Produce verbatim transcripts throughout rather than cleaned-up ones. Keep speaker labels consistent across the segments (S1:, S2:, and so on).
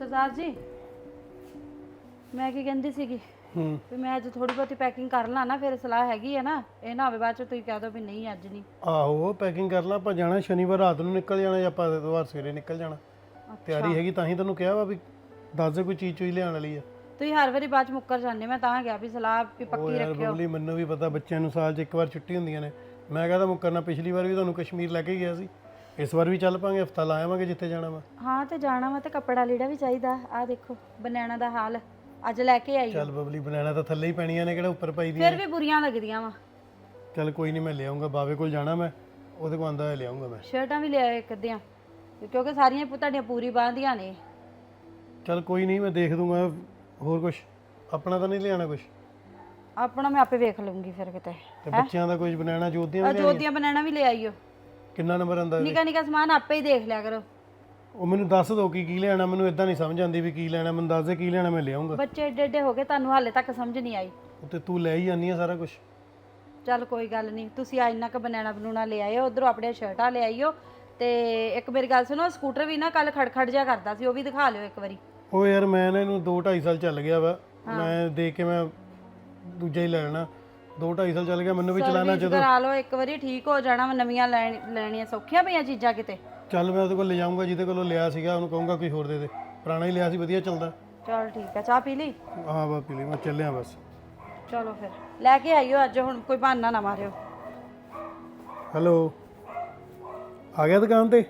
S1: सरदार जी मैं की कहती सी भी मैं अज थोड़ी बहुत पैकिंग कर ला ना, फिर सलाह हैगी है ना, ये ना होवे बाद च तुसीं कह दो भी नहीं अज नहीं।
S2: ਆਹੋ ਪੈਕਿੰਗ ਕਰ ਲਾ, ਆਪਾਂ ਜਾਣਾ ਸ਼ਨੀਵਾਰ ਰਾਤ ਨੂੰ ਨਿਕਲ ਜਾਣਾ ਜਾਂ ਆਪਾਂ ਐਤਵਾਰ ਸਵੇਰੇ ਨਿਕਲ ਜਾਣਾ। ਤਿਆਰੀ ਹੈਗੀ ਤਾਂ ਹੀ ਤੈਨੂੰ ਕਿਹਾ ਵਾ ਵੀ ਦੱਸ ਦੇ ਕੋਈ ਚੀਜ਼ ਚੋਈ ਲਿਆਉਣ ਵਾਲੀ ਆ।
S1: ਤੁਸੀਂ ਹਰ ਵਾਰੀ ਬਾਅਦ ਚ ਮੁੱਕਰ ਜਾਂਦੇ, ਮੈਂ ਤਾਂ ਕਿਹਾ ਵੀ ਸਲਾਹ ਵੀ ਪੱਕੀ ਰੱਖਿਓ।
S2: ਬਬਲੀ ਮੈਨੂੰ ਵੀ ਪਤਾ ਬੱਚਿਆਂ ਨੂੰ ਸਾਲ 'ਚ ਇੱਕ ਵਾਰ ਛੁੱਟੀ ਹੁੰਦੀਆਂ ਨੇ, ਮੈਂ ਕਹਿੰਦਾ ਮੁੱਕਰਨਾ। ਪਿਛਲੀ ਵਾਰ ਵੀ ਤੁਹਾਨੂੰ ਕਸ਼ਮੀਰ ਲੈ ਕੇ ਗਿਆ ਸੀ, ਇਸ ਵਾਰ ਵੀ ਚੱਲ ਪਾਂਗੇ, ਹਫਤਾ ਲਾ ਆਵਾਂਗੇ ਜਿੱਥੇ ਜਾਣਾ ਵਾ।
S1: ਹਾਂ ਤੇ ਜਾਣਾ ਵਾ ਤੇ ਕੱਪੜਾ ਲੀੜਾ ਵੀ ਚਾਹੀਦਾ। ਆ ਦੇਖੋ ਬਨੈਣਾ ਦਾ ਹਾਲ ਅੱਜ ਲੈ ਕੇ ਆਈ।
S2: ਚੱਲ ਬਬਲੀ ਬਨਾਣਾ ਤਾਂ ਥੱਲੇ ਹੀ ਪੈਣੀਆਂ ਨੇ, ਕਿਹੜਾ ਉੱਪਰ ਪਾਈ ਦੀਆਂ।
S1: ਫਿਰ ਵੀ ਬੁਰੀਆਂ ਲੱਗਦੀਆਂ ਵਾ।
S2: ਚੱਲ ਕੋਈ ਨਹੀਂ, ਮੈਂ ਲਿਆਉਂਗਾ। ਬਾਵੇ ਕੋਲ ਜਾਣਾ ਮੈਂ, ਉਹਦੇ ਕੋਲ ਆਂਦਾ ਹੋਇਆ ਲਿਆਉਂਗਾ ਮੈਂ।
S1: ਸ਼ਰਟਾਂ ਵੀ ਲਿਆਇਓ ਇੱਕ ਅੱਧੀਆਂ, ਕਿਉਂਕਿ ਸਾਰੀਆਂ ਤੁਹਾਡੀਆਂ ਪੂਰੀ ਬਾਂਹਦੀਆਂ ਨੇ।
S2: ਚੱਲ ਕੋਈ ਨਹੀਂ, ਮੈਂ ਦੇਖ ਦੂੰਗਾ। ਹੋਰ ਕੁਝ ਆਪਣਾ ਤਾਂ ਨਹੀਂ ਲਿਆਣਾ ਕੁਝ?
S1: ਆਪਣਾ ਮੈਂ ਆਪੇ ਵੇਖ ਲੂੰਗੀ ਫਿਰ ਕਿਤੇ।
S2: ਤੇ ਬੱਚਿਆਂ ਦਾ ਕੁਝ ਬਨਾਣਾ ਜੋਤੀਆਂ ਵੀ
S1: ਜੋਤੀਆਂ ਬਨਾਣਾ ਵੀ ਲੈ ਆਈਓ।
S2: ਕਿੰਨਾ ਨੰਬਰ ਆਂਦਾ?
S1: ਨਿੱਕਾ ਨਿੱਕਾ ਸਮਾਨ ਆਪੇ ਹੀ ਦੇਖ ਲਿਆ ਕਰੋ।
S2: ਉਹ ਮੈਨੂੰ ਦੱਸ ਦੋ ਕੀ ਕੀ ਲੈਣਾ, ਮੈਨੂੰ ਇਦਾਂ ਨਹੀਂ ਸਮਝ ਆਉਂਦੀ ਵੀ ਕੀ ਲੈਣਾ। ਮੈਨੂੰ ਦੱਸ ਦੇ ਕੀ ਲੈਣਾ, ਮੈਂ ਲਿਆਉਂਗਾ।
S1: ਬੱਚੇ ਏਡੇ ਏਡੇ ਹੋ ਗਏ, ਤੁਹਾਨੂੰ ਹਾਲੇ ਤੱਕ ਸਮਝ ਨਹੀਂ ਆਈ।
S2: ਤੇ ਤੂੰ ਲੈ ਹੀ ਜਾਂਦੀ ਆ ਸਾਰਾ ਕੁਝ।
S1: ਚੱਲ ਕੋਈ ਗੱਲ ਨਹੀਂ, ਤੁਸੀਂ ਆ ਇੰਨਾ ਕ ਬਨਾਣਾ ਬਨੂਣਾ ਲੈ ਆਇਓ, ਉਧਰੋਂ ਆਪਣੀਆਂ ਸ਼ਰਟਾਂ ਲੈ ਆਈਓ। ਤੇ ਇੱਕ ਮੇਰੀ ਗੱਲ ਸੁਣੋ, ਸਕੂਟਰ ਵੀ ਨਾ ਕੱਲ ਖੜਖੜ ਜਿਹਾ ਕਰਦਾ ਸੀ, ਉਹ ਵੀ ਦਿਖਾ ਲਿਓ ਇੱਕ ਵਾਰੀ।
S2: ਉਹ ਯਾਰ ਮੈਂ ਨਾ ਇਹਨੂੰ ਦੋ ਢਾਈ ਸਾਲ ਚੱਲ ਗਿਆ ਵਾ, ਮੈਂ ਦੇਖ ਕੇ ਮੈਂ ਦੂਜਾ ਹੀ ਲੈ ਲੈਣਾ। ਦੋ ਢਾਈ ਸਾਲ ਚੱਲ ਗਿਆ, ਮੈਨੂੰ ਵੀ ਚਲਾਣਾ। ਜਦੋਂ
S1: ਕਰਾ ਲਓ ਇੱਕ ਵਾਰੀ, ਠੀਕ ਹੋ ਜਾਣਾ। ਨਵੀਆਂ ਲੈਣੀਆਂ ਸੌਖੀਆਂ ਪਈਆਂ ਚੀਜ਼ਾਂ ਕਿਤੇ।
S2: ਚੱਲ ਮੈਂ ਉਹਦੇ ਕੋਲ ਲੈ ਜਾਊਂਗਾ, ਜਿਹਦੇ ਕੋਲੋਂ ਲਿਆ ਸੀਗਾ ਉਹਨੂੰ ਕਹੂੰਗਾ ਕੋਈ ਹੋਰ ਦੇ ਦੇ। ਪੁਰਾਣਾ ਹੀ ਲਿਆ ਸੀ, ਵਧੀਆ ਚੱਲਦਾ।
S1: ਚਲ ਠੀਕ ਹੈ, ਚਾਹ ਪੀ ਲਈ?
S2: ਹਾਂ ਬਾ ਪੀ ਲਈ, ਮੈਂ ਚੱਲਿਆ ਬਸ।
S1: ਚਲੋ ਫਿਰ ਲੈ ਕੇ ਆਈਓ ਅੱਜ, ਹੁਣ ਕੋਈ ਬਹਾਨਾ ਨਾ ਮਾਰਿਓ।
S2: ਹੈਲੋ, ਆ ਗਿਆ ਦੁਕਾਨ ਤੇ?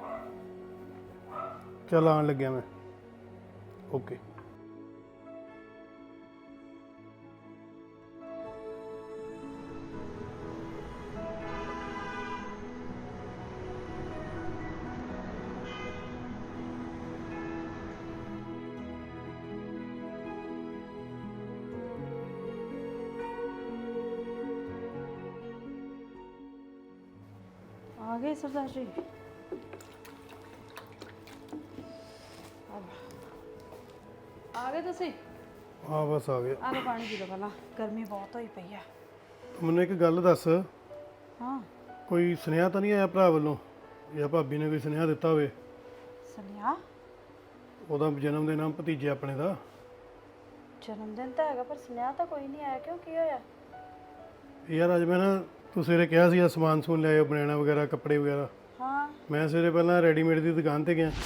S2: ਚੱਲ ਆਉਣ ਲੱਗਿਆ ਮੈਂ। ਓਕੇ।
S1: आ गए सरदार जी? आ गए ਤੁਸੀਂ?
S2: ਹਾਂ ਬਸ ਆ ਗਿਆ।
S1: ਆ ਲਓ ਪਾਣੀ ਪੀ ਲਓ ਪਹਿਲਾਂ, ਗਰਮੀ ਬਹੁਤ ਹੋਈ ਪਈ ਆ।
S2: ਮੈਨੂੰ ਇੱਕ ਗੱਲ ਦੱਸ,
S1: ਹਾਂ
S2: ਕੋਈ ਸੁਨੇਹਾ ਤਾਂ ਨਹੀਂ ਆਇਆ ਭਰਾ ਵੱਲੋਂ ਜਾਂ ਭਾਬੀ ਨੇ ਕੋਈ ਸੁਨੇਹਾ ਦਿੱਤਾ ਹੋਵੇ?
S1: ਸੁਨੇਹਾ?
S2: ਉਹਦਾ ਜਨਮ ਦਿਨ ਆ ਭਤੀਜੇ ਆਪਣੇ ਦਾ।
S1: ਜਨਮ ਦਿਨ ਤਾਂ ਹੈਗਾ, ਪਰ ਸੁਨੇਹਾ ਤਾਂ ਕੋਈ ਨਹੀਂ ਆਇਆ। ਕਿਉਂ, ਕੀ ਹੋਇਆ?
S2: ਯਾਰ ਅੱਜ ਮੈਂ ਨਾ, ਤੂੰ ਸਵੇਰੇ ਕਿਹਾ ਸੀ ਸਮਾਨ ਸਮੂਨ ਲਿਆਇਓ, ਬਨਾਣਾ ਵਗੈਰਾ ਕੱਪੜੇ ਵਗੈਰਾ।
S1: ਹਾਂ
S2: ਮੈਂ ਸਵੇਰੇ ਪਹਿਲਾਂ ਰੈਡੀਮੇਡ ਦੀ ਦੁਕਾਨ ਤੇ ਗਿਆ।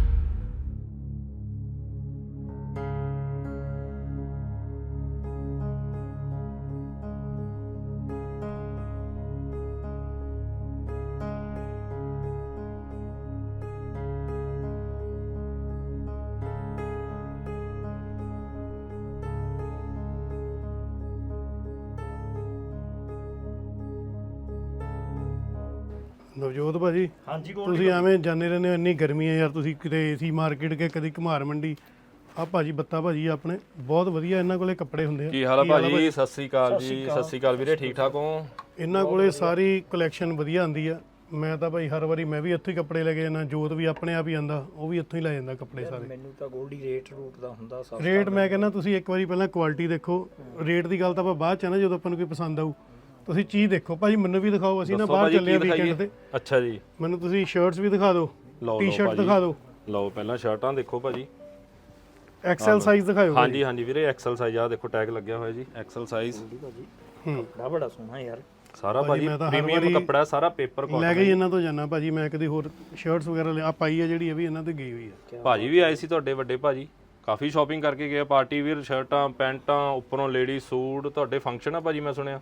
S2: ਨਵਜੋਤ ਭਾਜੀ,
S3: ਹਾਂਜੀ
S2: ਤੁਸੀਂ ਐਵੇਂ ਜਾਂਦੇ ਰਹਿੰਦੇ ਹੋ, ਇੰਨੀ ਗਰਮੀ ਹੈ ਯਾਰ। ਤੁਸੀਂ ਕਿਤੇ ਏਸੀ ਮਾਰਕੀਟ ਕੇ ਕਦੀ ਘਮਾਰ ਮੰਡੀ। ਆ ਭਾਜੀ ਬੱਤਾ ਭਾਜੀ ਆਪਣੇ ਬਹੁਤ ਵਧੀਆ, ਇਹਨਾਂ ਕੋਲੇ ਕੱਪੜੇ ਹੁੰਦੇ ਆ।
S4: ਕੀ ਹਾਲ ਆ ਭਾਜੀ? ਸਤਿ ਸ੍ਰੀ ਅਕਾਲ ਜੀ। ਸਤਿ ਸ੍ਰੀ ਅਕਾਲ ਵੀਰੇ, ਠੀਕ ਠਾਕ ਹੋ?
S2: ਇਹਨਾਂ ਕੋਲੇ ਸਾਰੀ ਕਲੈਕਸ਼ਨ ਵਧੀਆ ਆਉਂਦੀ ਆ। ਮੈਂ ਤਾਂ ਭਾਈ ਹਰ ਵਾਰੀ ਮੈਂ ਵੀ ਇੱਥੋਂ ਹੀ ਕੱਪੜੇ ਲੈ ਕੇ ਜਾਂਦਾ। ਜੋਤ ਵੀ ਆਪਣੇ ਆਪ ਹੀ ਆਂਦਾ, ਉਹ ਵੀ ਇੱਥੋਂ ਹੀ ਲੈ ਜਾਂਦਾ ਕੱਪੜੇ ਸਾਰੇ।
S3: ਮੈਨੂੰ ਤਾਂ ਗੋਲਡੀ ਰੇਟ ਰੂਟ ਦਾ ਹੁੰਦਾ ਸਸਤਾ
S2: ਰੇਟ ਮੈਂ ਕਹਿੰਦਾ ਤੁਸੀਂ ਇੱਕ ਵਾਰੀ ਪਹਿਲਾਂ ਕੁਆਲਿਟੀ ਦੇਖੋ। ਰੇਟ ਦੀ ਗੱਲ ਤਾਂ ਆਪਾਂ ਬਾਅਦ ਚ ਆ ਨਾ, ਜਦੋਂ ਆਪਾਂ ਨੂੰ ਕੋਈ ਪਸੰਦ ਆਊ। ਤੁਸੀਂ ਚੀਜ਼ ਦੇਖੋ ਭਾਜੀ, ਮੈਨੂੰ ਵੀ ਦਿਖਾਓ। ਅਸੀਂ ਨਾ ਬਾਹਰ ਚੱਲੇ ਆ ਵੀਕਐਂਡ ਤੇ।
S4: ਅੱਛਾ ਜੀ,
S2: ਮੈਨੂੰ ਤੁਸੀਂ ਸ਼ਰਟਸ ਵੀ ਦਿਖਾ ਦਿਓ, ਟੀ-ਸ਼ਰਟ ਦਿਖਾ ਦਿਓ।
S4: ਲਓ ਪਹਿਲਾਂ ਸ਼ਰਟਾਂ ਦੇਖੋ ਭਾਜੀ,
S2: ਐਕਸਲ ਸਾਈਜ਼ ਦਿਖਾਓ।
S4: ਹਾਂਜੀ ਹਾਂਜੀ ਵੀਰੇ, ਐਕਸਲ ਸਾਈਜ਼ ਆ ਦੇਖੋ, ਟੈਗ ਲੱਗਿਆ ਹੋਇਆ ਜੀ, ਐਕਸਲ ਸਾਈਜ਼।
S2: ਹੂੰ,
S3: ਬੜਾ ਬੜਾ ਸੋਹਣਾ ਯਾਰ
S4: ਸਾਰਾ ਭਾਜੀ ਪ੍ਰੀਮੀਅਮ ਕੱਪੜਾ, ਸਾਰਾ ਪੇਪਰ ਕਾਟਨ।
S2: ਲੈ ਕੇ ਇਹਨਾਂ ਤੋਂ ਜਾਣਾ ਭਾਜੀ ਮੈਂ। ਕਦੀ ਹੋਰ ਸ਼ਰਟਸ ਵਗੈਰਾ ਆ ਪਾਈ ਆ ਜਿਹੜੀ, ਇਹ ਵੀ ਇਹਨਾਂ ਤੇ ਗਈ ਹੋਈ ਆ।
S4: ਭਾਜੀ ਵੀ ਆਏ ਸੀ ਤੁਹਾਡੇ ਵੱਡੇ ਭਾਜੀ, ਕਾਫੀ ਸ਼ਾਪਿੰਗ ਕਰਕੇ ਗਏ। ਪਾਰਟੀ ਵੀਅਰ ਸ਼ਰਟਾਂ, ਪੈਂਟਾਂ, ਉੱਪਰੋਂ ਲੇਡੀ ਸੂਟ। ਤੁਹਾਡੇ ਫੰਕਸ਼ਨ ਆ ਭਾਜੀ, ਮੈਂ ਸੁਣਿਆ।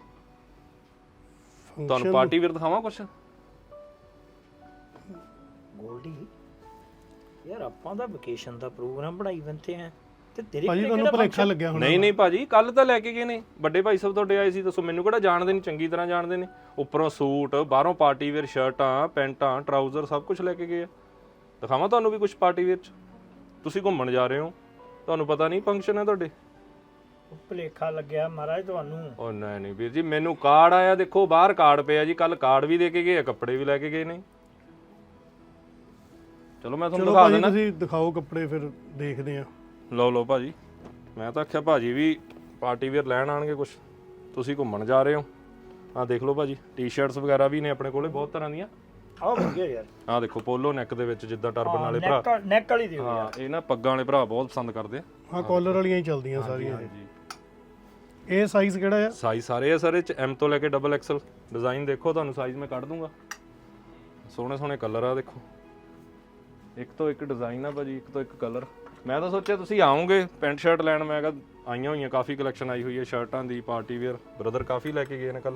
S4: ਤੁਹਾਨੂੰ ਪਾਰਟੀ ਵੀਅਰ ਦਿਖਾਵਾਂ ਕੁਛ?
S3: ਗੋਲਡੀ ਯਾਰ, ਆਪਾਂ ਦਾ ਵਕੇਸ਼ਨ ਦਾ ਪ੍ਰੋਗਰਾਮ ਬਣਾਈ ਬੰਤੇ ਆ ਤੇ ਤੇਰੇ
S2: ਭਾਜੀ ਤੁਹਾਨੂੰ ਭੁਲੇਖਾ ਲੱਗਿਆ ਹੋਣਾ।
S4: ਨਹੀਂ ਨਹੀਂ ਭਾਜੀ, ਕੱਲ ਤਾਂ ਲੈ ਕੇ ਗਏ ਨੇ ਵੱਡੇ ਭਾਈ ਸਾਹਿਬ ਤੁਹਾਡੇ ਆਏ ਸੀ। ਦੱਸੋ, ਮੈਨੂੰ ਕਿਹੜਾ ਜਾਣਦੇ ਨਹੀਂ, ਚੰਗੀ ਤਰ੍ਹਾਂ ਜਾਣਦੇ ਨੇ। ਉੱਪਰੋਂ ਸੂਟ, ਬਾਹਰੋਂ ਪਾਰਟੀ ਵੇਅਰ ਸ਼ਰਟਾਂ, ਪੈਂਟਾਂ, ਟਰਾਊਜ਼ਰ, ਸਭ ਕੁਝ ਲੈ ਕੇ ਗਏ ਆ। ਦਿਖਾਵਾਂ ਤੁਹਾਨੂੰ ਵੀ ਕੁਝ ਪਾਰਟੀ ਵੇਅਰ 'ਚ? ਤੁਸੀਂ ਘੁੰਮਣ ਜਾ ਰਹੇ ਹੋ, ਤੁਹਾਨੂੰ ਪਤਾ ਨਹੀਂ ਫੰਕਸ਼ਨ ਹੈ ਤੁਹਾਡੇ?
S3: ਭੁਲੇਖਾ ਲੱਗਿਆ ਮਹਾਰਾਜ ਤੁਹਾਨੂੰ।
S4: ਉਹ ਨਹੀਂ ਨਹੀਂ ਵੀਰ ਜੀ, ਮੈਨੂੰ ਕਾਰਡ ਆਇਆ, ਦੇਖੋ ਬਾਹਰ ਕਾਰਡ ਪਿਆ ਜੀ। ਕੱਲ ਕਾਰਡ ਵੀ ਦੇ ਕੇ ਗਏ ਆ, ਕੱਪੜੇ ਵੀ ਲੈ ਕੇ ਗਏ ਨੇ। ਚਲੋ ਮੈਂ ਤੁਹਾਨੂੰ ਦਿਖਾ ਦਿੰਦਾ।
S2: ਤੁਸੀਂ ਦਿਖਾਓ ਕੱਪੜੇ, ਫਿਰ ਦੇਖਦੇ ਆ।
S4: ਲਓ ਲਓ ਭਾਜੀ, ਮੈਂ ਤਾਂ ਆਖਿਆ ਭਾਜੀ ਵੀ ਪਾਰਟੀ ਵੇਅਰ ਲੈਣ ਆਣਗੇ ਕੁਛ, ਤੁਸੀਂ ਘੁੰਮਣ ਜਾ ਰਹੇ ਹੋ। ਆਹ ਦੇਖ ਲਓ ਭਾਜੀ, ਟੀ-ਸ਼ਰਟਸ ਵਗੈਰਾ ਵੀ ਨੇ ਆਪਣੇ ਕੋਲੇ ਬਹੁਤ ਤਰ੍ਹਾਂ ਦੀਆਂ।
S3: ਆਹ ਵਧੀਆ ਯਾਰ
S4: ਆਹ ਦੇਖੋ ਪੋਲੋ ਨੈਕ ਦੇ ਵਿੱਚ ਜਿੱਦਾਂ ਟਰਬਨ ਵਾਲੇ ਭਰਾ
S3: ਨੈਕ ਨੈਕ ਵਾਲੀ ਦਿਓ
S4: ਹਾਂ ਇਹ ਨਾ ਪੱਗਾਂ ਵਾਲੇ ਭਰਾ ਬਹੁਤ ਪਸੰਦ ਕਰਦੇ ਆ
S2: ਹਾਂ ਕਾਲਰ ਵਾਲੀਆਂ ਹੀ ਚੱਲਦੀਆਂ ਸਾਰੀਆਂ ਇਹ।
S4: ਹਾਂਜੀ
S2: ਇਹ ਸਾਈਜ਼ ਕਿਹੜਾ ਆ?
S4: ਸਾਈਜ਼ ਸਾਰੇ ਆ ਸਰ ਇਹ ਚ ਐਮ ਤੋਂ ਲੈ ਕੇ ਡਬਲ ਐਕਸਲ ਡਿਜ਼ਾਈਨ ਦੇਖੋ ਤੁਹਾਨੂੰ ਸਾਈਜ਼ ਮੈਂ ਕੱਢ ਦੂੰਗਾ ਸੋਹਣੇ ਸੋਹਣੇ ਕਲਰ ਆ ਦੇਖੋ ਇੱਕ ਤੋਂ ਇੱਕ ਡਿਜ਼ਾਈਨ ਆ ਭਾਜੀ ਇੱਕ ਤੋਂ ਇੱਕ ਕਲਰ ਮੈਂ ਤਾਂ ਸੋਚਿਆ ਤੁਸੀਂ ਆਓਗੇ ਪੈਂਟ ਸ਼ਰਟ ਲੈਣ ਮੈਂ ਕਿਹਾ ਆਈਆਂ ਹੋਈਆਂ ਕਾਫੀ ਕਲੈਕਸ਼ਨ ਆਈ ਹੋਈ ਹੈ ਸ਼ਰਟਾਂ ਦੀ ਪਾਰਟੀ ਵੇਅਰ ਬ੍ਰਦਰ ਕਾਫੀ ਲੈ ਕੇ ਗਏ ਨੇ ਕੱਲ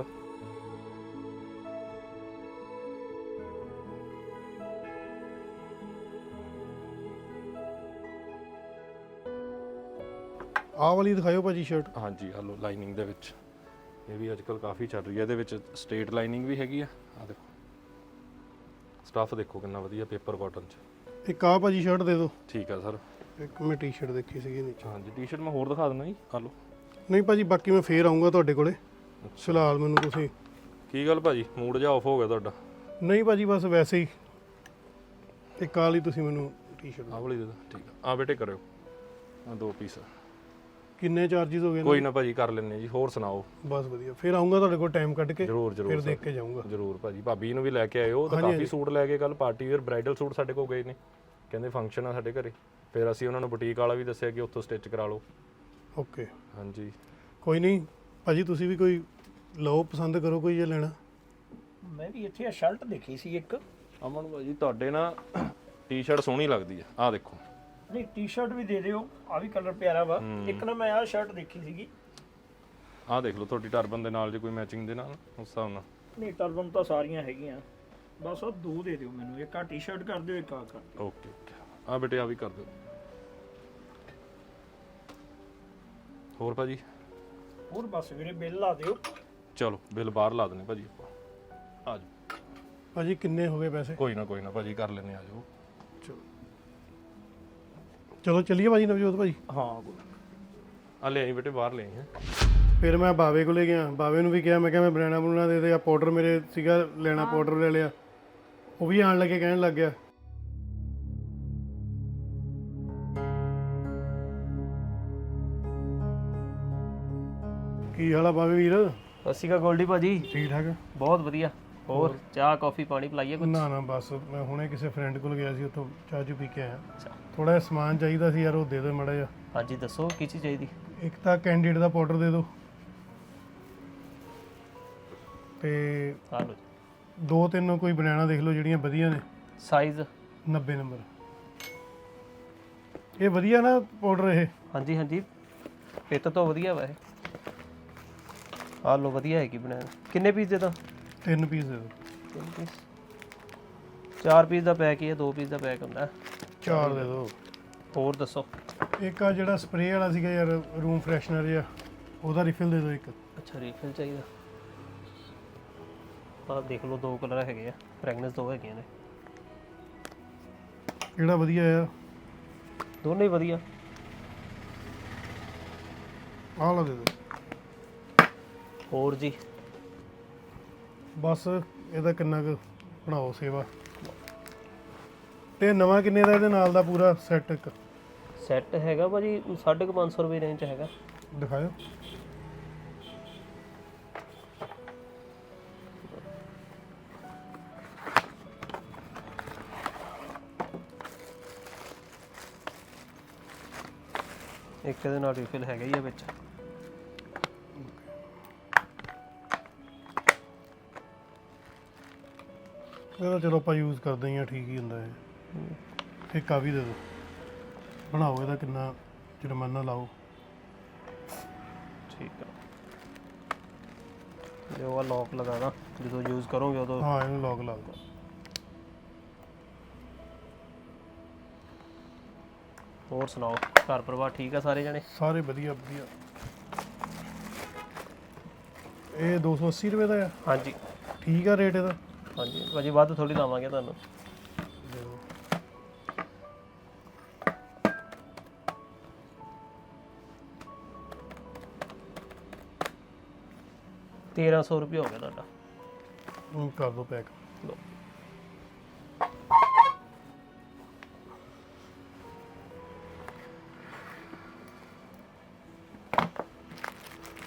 S2: ਆਹ ਵਾਲੀ ਦਿਖਾਇਓ ਭਾਜੀ ਸ਼ਰਟ।
S4: ਹਾਂਜੀ ਹਲੋ ਲਾਈਨਿੰਗ ਦੇ ਵਿੱਚ ਇਹ ਵੀ ਅੱਜਕੱਲ ਕਾਫੀ ਚੱਲ ਰਹੀ ਹੈ ਇਹਦੇ ਵਿੱਚ ਸਟੇਟ ਲਾਈਨਿੰਗ ਵੀ ਹੈਗੀ ਆ ਆ ਦੇਖੋ ਸਟੱਫ ਦੇਖੋ ਕਿੰਨਾ ਵਧੀਆ ਪੇਪਰ ਕਾਟਨ ਚ
S2: ਇੱਕ ਆਹ ਭਾਜੀ ਸ਼ਰਟ ਦੇ ਦਿਓ।
S4: ਠੀਕ ਆ ਸਰ
S2: ਇੱਕ ਮੈਂ ਟੀ-ਸ਼ਰਟ ਦੇਖੀ ਸੀਗੀ ਨੀਚੇ।
S4: ਹਾਂਜੀ ਟੀ-ਸ਼ਰਟ ਮੈਂ ਹੋਰ ਦਿਖਾ ਦਿੰਦਾ ਜੀ ਆ ਲਓ
S2: ਨਹੀਂ ਭਾਜੀ ਬਾਕੀ ਮੈਂ ਫੇਰ ਆਉਂਗਾ ਤੁਹਾਡੇ ਕੋਲੇ ਫਿਲਹਾਲ ਮੈਨੂੰ ਤੁਸੀਂ
S4: ਕੀ ਗੱਲ ਭਾਜੀ ਮੂਡ ਜਿਹਾ ਆਫ ਹੋ ਗਿਆ ਤੁਹਾਡਾ
S2: ਨਹੀਂ ਭਾਜੀ ਬਸ ਵੈਸੇ ਹੀ ਇੱਕ ਆਹ ਵਾਲੀ ਤੁਸੀਂ ਮੈਨੂੰ ਟੀ-ਸ਼ਰਟ
S4: ਆਹ ਵਾਲੀ ਦੇ ਦਿਓ ਠੀਕ ਆ ਆ ਬੇਟੇ ਕਰਿਓ ਆ ਦੋ ਪੀਸ
S2: ਕਿੰਨੇ ਚਾਰजेस ਹੋ ਗਏ
S4: ਕੋਈ ਨਾ ਭਾਜੀ ਕਰ ਲੈਣੇ ਜੀ ਹੋਰ ਸੁਣਾਓ
S2: ਬਸ ਵਧੀਆ ਫਿਰ ਆਉਂਗਾ ਤੁਹਾਡੇ ਕੋਲ ਟਾਈਮ ਕੱਢ ਕੇ
S4: ਜਰੂਰ ਜਰੂਰ
S2: ਫਿਰ ਦੇਖ ਕੇ ਜਾਊਂਗਾ
S4: ਜਰੂਰ ਭਾਜੀ ਭਾਬੀ ਨੂੰ ਵੀ ਲੈ ਕੇ ਆਇਓ ਉਹ ਤਾਂ ਕਾਫੀ ਸੂਟ ਲੈ ਕੇ ਕੱਲ ਪਾਰਟੀ ਵੇਅਰ ਬ੍ਰਾਈਡਲ ਸੂਟ ਸਾਡੇ ਕੋਲ ਗਏ ਨੇ ਕਹਿੰਦੇ ਫੰਕਸ਼ਨ ਆ ਸਾਡੇ ਘਰੇ ਫਿਰ ਅਸੀਂ ਉਹਨਾਂ ਨੂੰ ਬੁਟੀਕ ਵਾਲਾ ਵੀ ਦੱਸਿਆ ਕਿ ਉੱਥੋਂ ਸਟਿਚ ਕਰਾ ਲਓ
S2: ਓਕੇ
S4: ਹਾਂਜੀ
S2: ਕੋਈ ਨਹੀਂ ਭਾਜੀ ਤੁਸੀਂ ਵੀ ਕੋਈ ਲਓ ਪਸੰਦ ਕਰੋ ਕੋਈ ਜੇ ਲੈਣਾ।
S3: ਮੈਂ ਵੀ ਇੱਥੇ ਆ ਸ਼ਰਟ ਦੇਖੀ ਸੀ ਇੱਕ
S4: ਅਮਨ ਭਾਜੀ ਤੁਹਾਡੇ ਨਾ ਟੀ-ਸ਼ਰਟ ਸੋਹਣੀ ਲੱਗਦੀ ਆ ਆਹ ਦੇਖੋ
S3: ਨਹੀਂ ਟੀ-ਸ਼ਰਟ ਵੀ ਦੇ ਦਿਓ ਆ ਵੀ ਕਲਰ ਪਿਆਰਾ ਵਾ ਇੱਕ ਨਾ ਮੈਂ ਆਹ ਸ਼ਰਟ ਦੇਖੀ ਸੀਗੀ
S4: ਆਹ ਦੇਖ ਲਓ ਤੁਹਾਡੀ ਟਰਬਨ ਦੇ ਨਾਲ ਜੇ ਕੋਈ ਮੈਚਿੰਗ ਦੇ ਨਾਲ ਉਸ ਹਿਸਾਬ ਨਾਲ
S3: ਨਹੀਂ ਟਰਬਨ ਤਾਂ ਸਾਰੀਆਂ ਹੈਗੀਆਂ ਬਸ ਉਹ ਦੋ ਦੇ ਦਿਓ ਮੈਨੂੰ ਇੱਕ ਆ ਟੀ-ਸ਼ਰਟ ਕਰ ਦਿਓ ਇੱਕ ਆ ਕਰ ਦਿਓ
S4: ਓਕੇ ਓਕੇ ਆ ਬੇਟੇ ਆ ਵੀ ਕਰ ਦਿਓ ਹੋਰ ਭਾਜੀ
S3: ਹੋਰ ਬਸ ਵੀਰੇ ਬਿੱਲ ਲਾ ਦਿਓ
S4: ਚਲੋ ਬਿੱਲ ਬਾਹਰ ਲਾ ਦਨੇ ਭਾਜੀ ਆਪਾਂ ਆ ਜਾਓ
S2: ਭਾਜੀ ਕਿੰਨੇ ਹੋ ਗਏ ਪੈਸੇ?
S4: ਕੋਈ ਨਾ ਕੋਈ ਨਾ ਭਾਜੀ ਕਰ ਲੈਨੇ ਆ ਜਾਓ
S2: ਚਲੋ ਚੱਲੀਏ ਭਾਜੀ ਨਵਜੋਤ ਭਾਜੀ।
S3: ਹਾਂ
S4: ਆ ਲੈ ਆਈ ਬੇਟੇ ਬਾਹਰ ਲੈ ਆਈ ਹੈ
S2: ਫਿਰ ਮੈਂ ਬਾਵੇ ਕੋਲੇ ਗਿਆ ਬਾਵੇ ਨੂੰ ਵੀ ਕਿਹਾ ਮੈਂ ਕਿਹਾ ਮੈਂ ਬਨਾਨਾ ਬਨੂਨਾ ਦੇ ਦੇ ਆ ਪਾਊਡਰ ਮੇਰੇ ਸੀਗਾ ਲੈਣਾ ਪਾਊਡਰ ਲੈ ਲਿਆ ਉਹ ਵੀ ਆਣ ਲੱਗੇ ਕਹਿਣ ਲੱਗ ਗਿਆ ਕੀ ਹਾਲ ਆ ਬਾਵੇ ਵੀਰ?
S5: ਸਤਿ ਸ਼੍ਰੀ ਅਕਾਲ ਗੋਲਡੀ ਭਾਜੀ
S2: ਠੀਕ ਠਾਕ?
S5: ਬਹੁਤ ਵਧੀਆ ਹੋਰ ਚਾਹ ਕਾਫੀ ਪਾਣੀ ਪਿਲਾਈਏ ਕੁਝ
S2: ਨਾ ਨਾ ਬਸ ਮੈਂ ਹੁਣੇ ਕਿਸੇ ਫਰੈਂਡ ਕੋਲ ਗਿਆ ਸੀ ਉੱਥੋਂ ਚਾਹ ਚੂ ਪੀ ਕੇ ਆਇਆ ਥੋੜਾ ਜਿਹਾ ਸਮਾਨ ਚਾਹੀਦਾ ਸੀ ਯਾਰ ਉਹ ਦੇ ਦਿਓ ਮਾੜਾ ਜਿਹਾ।
S5: ਹਾਂਜੀ ਦੱਸੋ ਕੀ ਚੀਜ਼ ਚਾਹੀਦੀ
S2: ਇੱਕ ਤਾਂ ਕੈਂਡੀਡ ਦਾ ਪਾਊਡਰ ਦੇ ਦਿਓ ਤੇ
S5: ਆ ਲਓ
S2: ਦੋ ਤਿੰਨ ਕੋਈ ਬਨਾਨਾ ਦੇਖ ਲਓ ਜਿਹੜੀਆਂ ਵਧੀਆ ਨੇ
S5: ਸਾਈਜ਼
S2: ਨੱਬੇ ਨੰਬਰ। ਇਹ ਵਧੀਆ ਨਾ ਪਾਊਡਰ ਇਹ?
S5: ਹਾਂਜੀ ਹਾਂਜੀ ਪਿੱਤ ਤੋਂ ਵਧੀਆ ਵਾ ਇਹ ਆ ਲਓ ਵਧੀਆ ਹੈਗੀ ਬਣਾਇਆ ਕਿੰਨੇ ਪੀਸ ਦੇ ਤਾਂ
S2: ਤਿੰਨ ਪੀਸ ਦੇ ਦਿਓ।
S5: ਤਿੰਨ ਪੀਸ ਚਾਰ ਪੀਸ ਦਾ ਪੈਕ ਹੀ ਹੈ ਦੋ ਪੀਸ ਦਾ ਪੈਕ ਹੁੰਦਾ
S2: ਚਾਰ ਦੇ ਦਿਓ।
S5: ਹੋਰ ਦੱਸੋ
S2: ਇੱਕ ਆ ਜਿਹੜਾ ਸਪਰੇਅ ਵਾਲਾ ਸੀਗਾ ਯਾਰ ਰੂਮ ਫਰੈਸ਼ਨਰ ਜਿਹਾ ਉਹਦਾ ਰਿਫਿਲ ਦੇ ਦਿਓ ਇੱਕ।
S5: ਅੱਛਾ ਰੀਫਿਲ ਚਾਹੀਦਾ ਆ ਦੇਖ ਲਓ ਦੋ ਕਲਰ ਹੈਗੇ ਆ ਫ੍ਰੈਗਨੈਂਸ ਦੋ ਹੈਗੀਆਂ ਨੇ
S2: ਕਿਹੜਾ ਵਧੀਆ ਆ?
S5: ਦੋਨੇ ਹੀ ਵਧੀਆ
S2: ਆਹ ਲਾ ਦੇ ਦਿਓ।
S5: ਹੋਰ ਜੀ
S2: ਬਸ ਇਹਦਾ ਕਿੰਨਾ ਕੁ ਬਣਾਓ ਸੇਵਾ ਤੇ ਨਵਾਂ ਕਿੰਨੇ ਦਾ ਇਹਦੇ ਨਾਲ ਦਾ ਪੂਰਾ ਸੈੱਟ ਇੱਕ
S5: ਸੈੱਟ ਹੈਗਾ ਭਾਜੀ ਸਾਢੇ ਕੁ ਪੰਜ ਸੌ ਰੁਪਏ ਰੇਂਜ ਚ ਹੈਗਾ
S2: ਦਿਖਾਓ।
S5: ਇੱਕ ਇਹਦੇ ਨਾਲ ਰੀਫਿਲ ਹੈਗਾ ਹੀ ਆ ਵਿੱਚ
S2: ਇਹਦਾ ਚਲੋ ਆਪਾਂ ਯੂਜ਼ ਕਰਦੇ ਹੀ ਆ ਠੀਕ ਹੀ ਹੁੰਦਾ ਇਹ ਇੱਕ ਆ ਵੀ ਦੇ ਦਿਓ ਬਣਾਓ ਇਹਦਾ ਕਿੰਨਾ ਜੁਰਮਾਨਾ ਲਾਓ।
S5: ਠੀਕ ਆ ਜੋ ਆ ਲੌਕ ਲਗਾਣਾ ਜਦੋਂ ਯੂਜ਼ ਕਰੋਗੇ ਉਦੋਂ
S2: ਹਾਂ ਇਹਨੂੰ ਲੌਕ ਲਾ ਦਿਓ।
S5: ਹੋਰ ਸੁਣਾਓ ਘਰ ਪਰਿਵਾਰ ਠੀਕ ਆ ਸਾਰੇ ਜਣੇ
S2: ਸਾਰੇ ਵਧੀਆ ਵਧੀਆ। ਇਹ ਦੋ ਸੌ ਅੱਸੀ ਰੁਪਏ ਦਾ ਆ?
S5: ਹਾਂਜੀ
S2: ਠੀਕ ਆ ਰੇਟ ਇਹਦਾ?
S5: ਹਾਂਜੀ ਭਾਜੀ ਵੱਧ ਥੋੜੀ ਲਾਵਾਂਗੇ ਤੁਹਾਨੂੰ ਤੇਰਾਂ ਸੌ ਰੁਪਏ ਹੋ ਗਿਆ ਤੁਹਾਡਾ
S2: ਹੁਣ ਕਰ ਦਿਓ ਪੈਕ।
S5: ਲਓ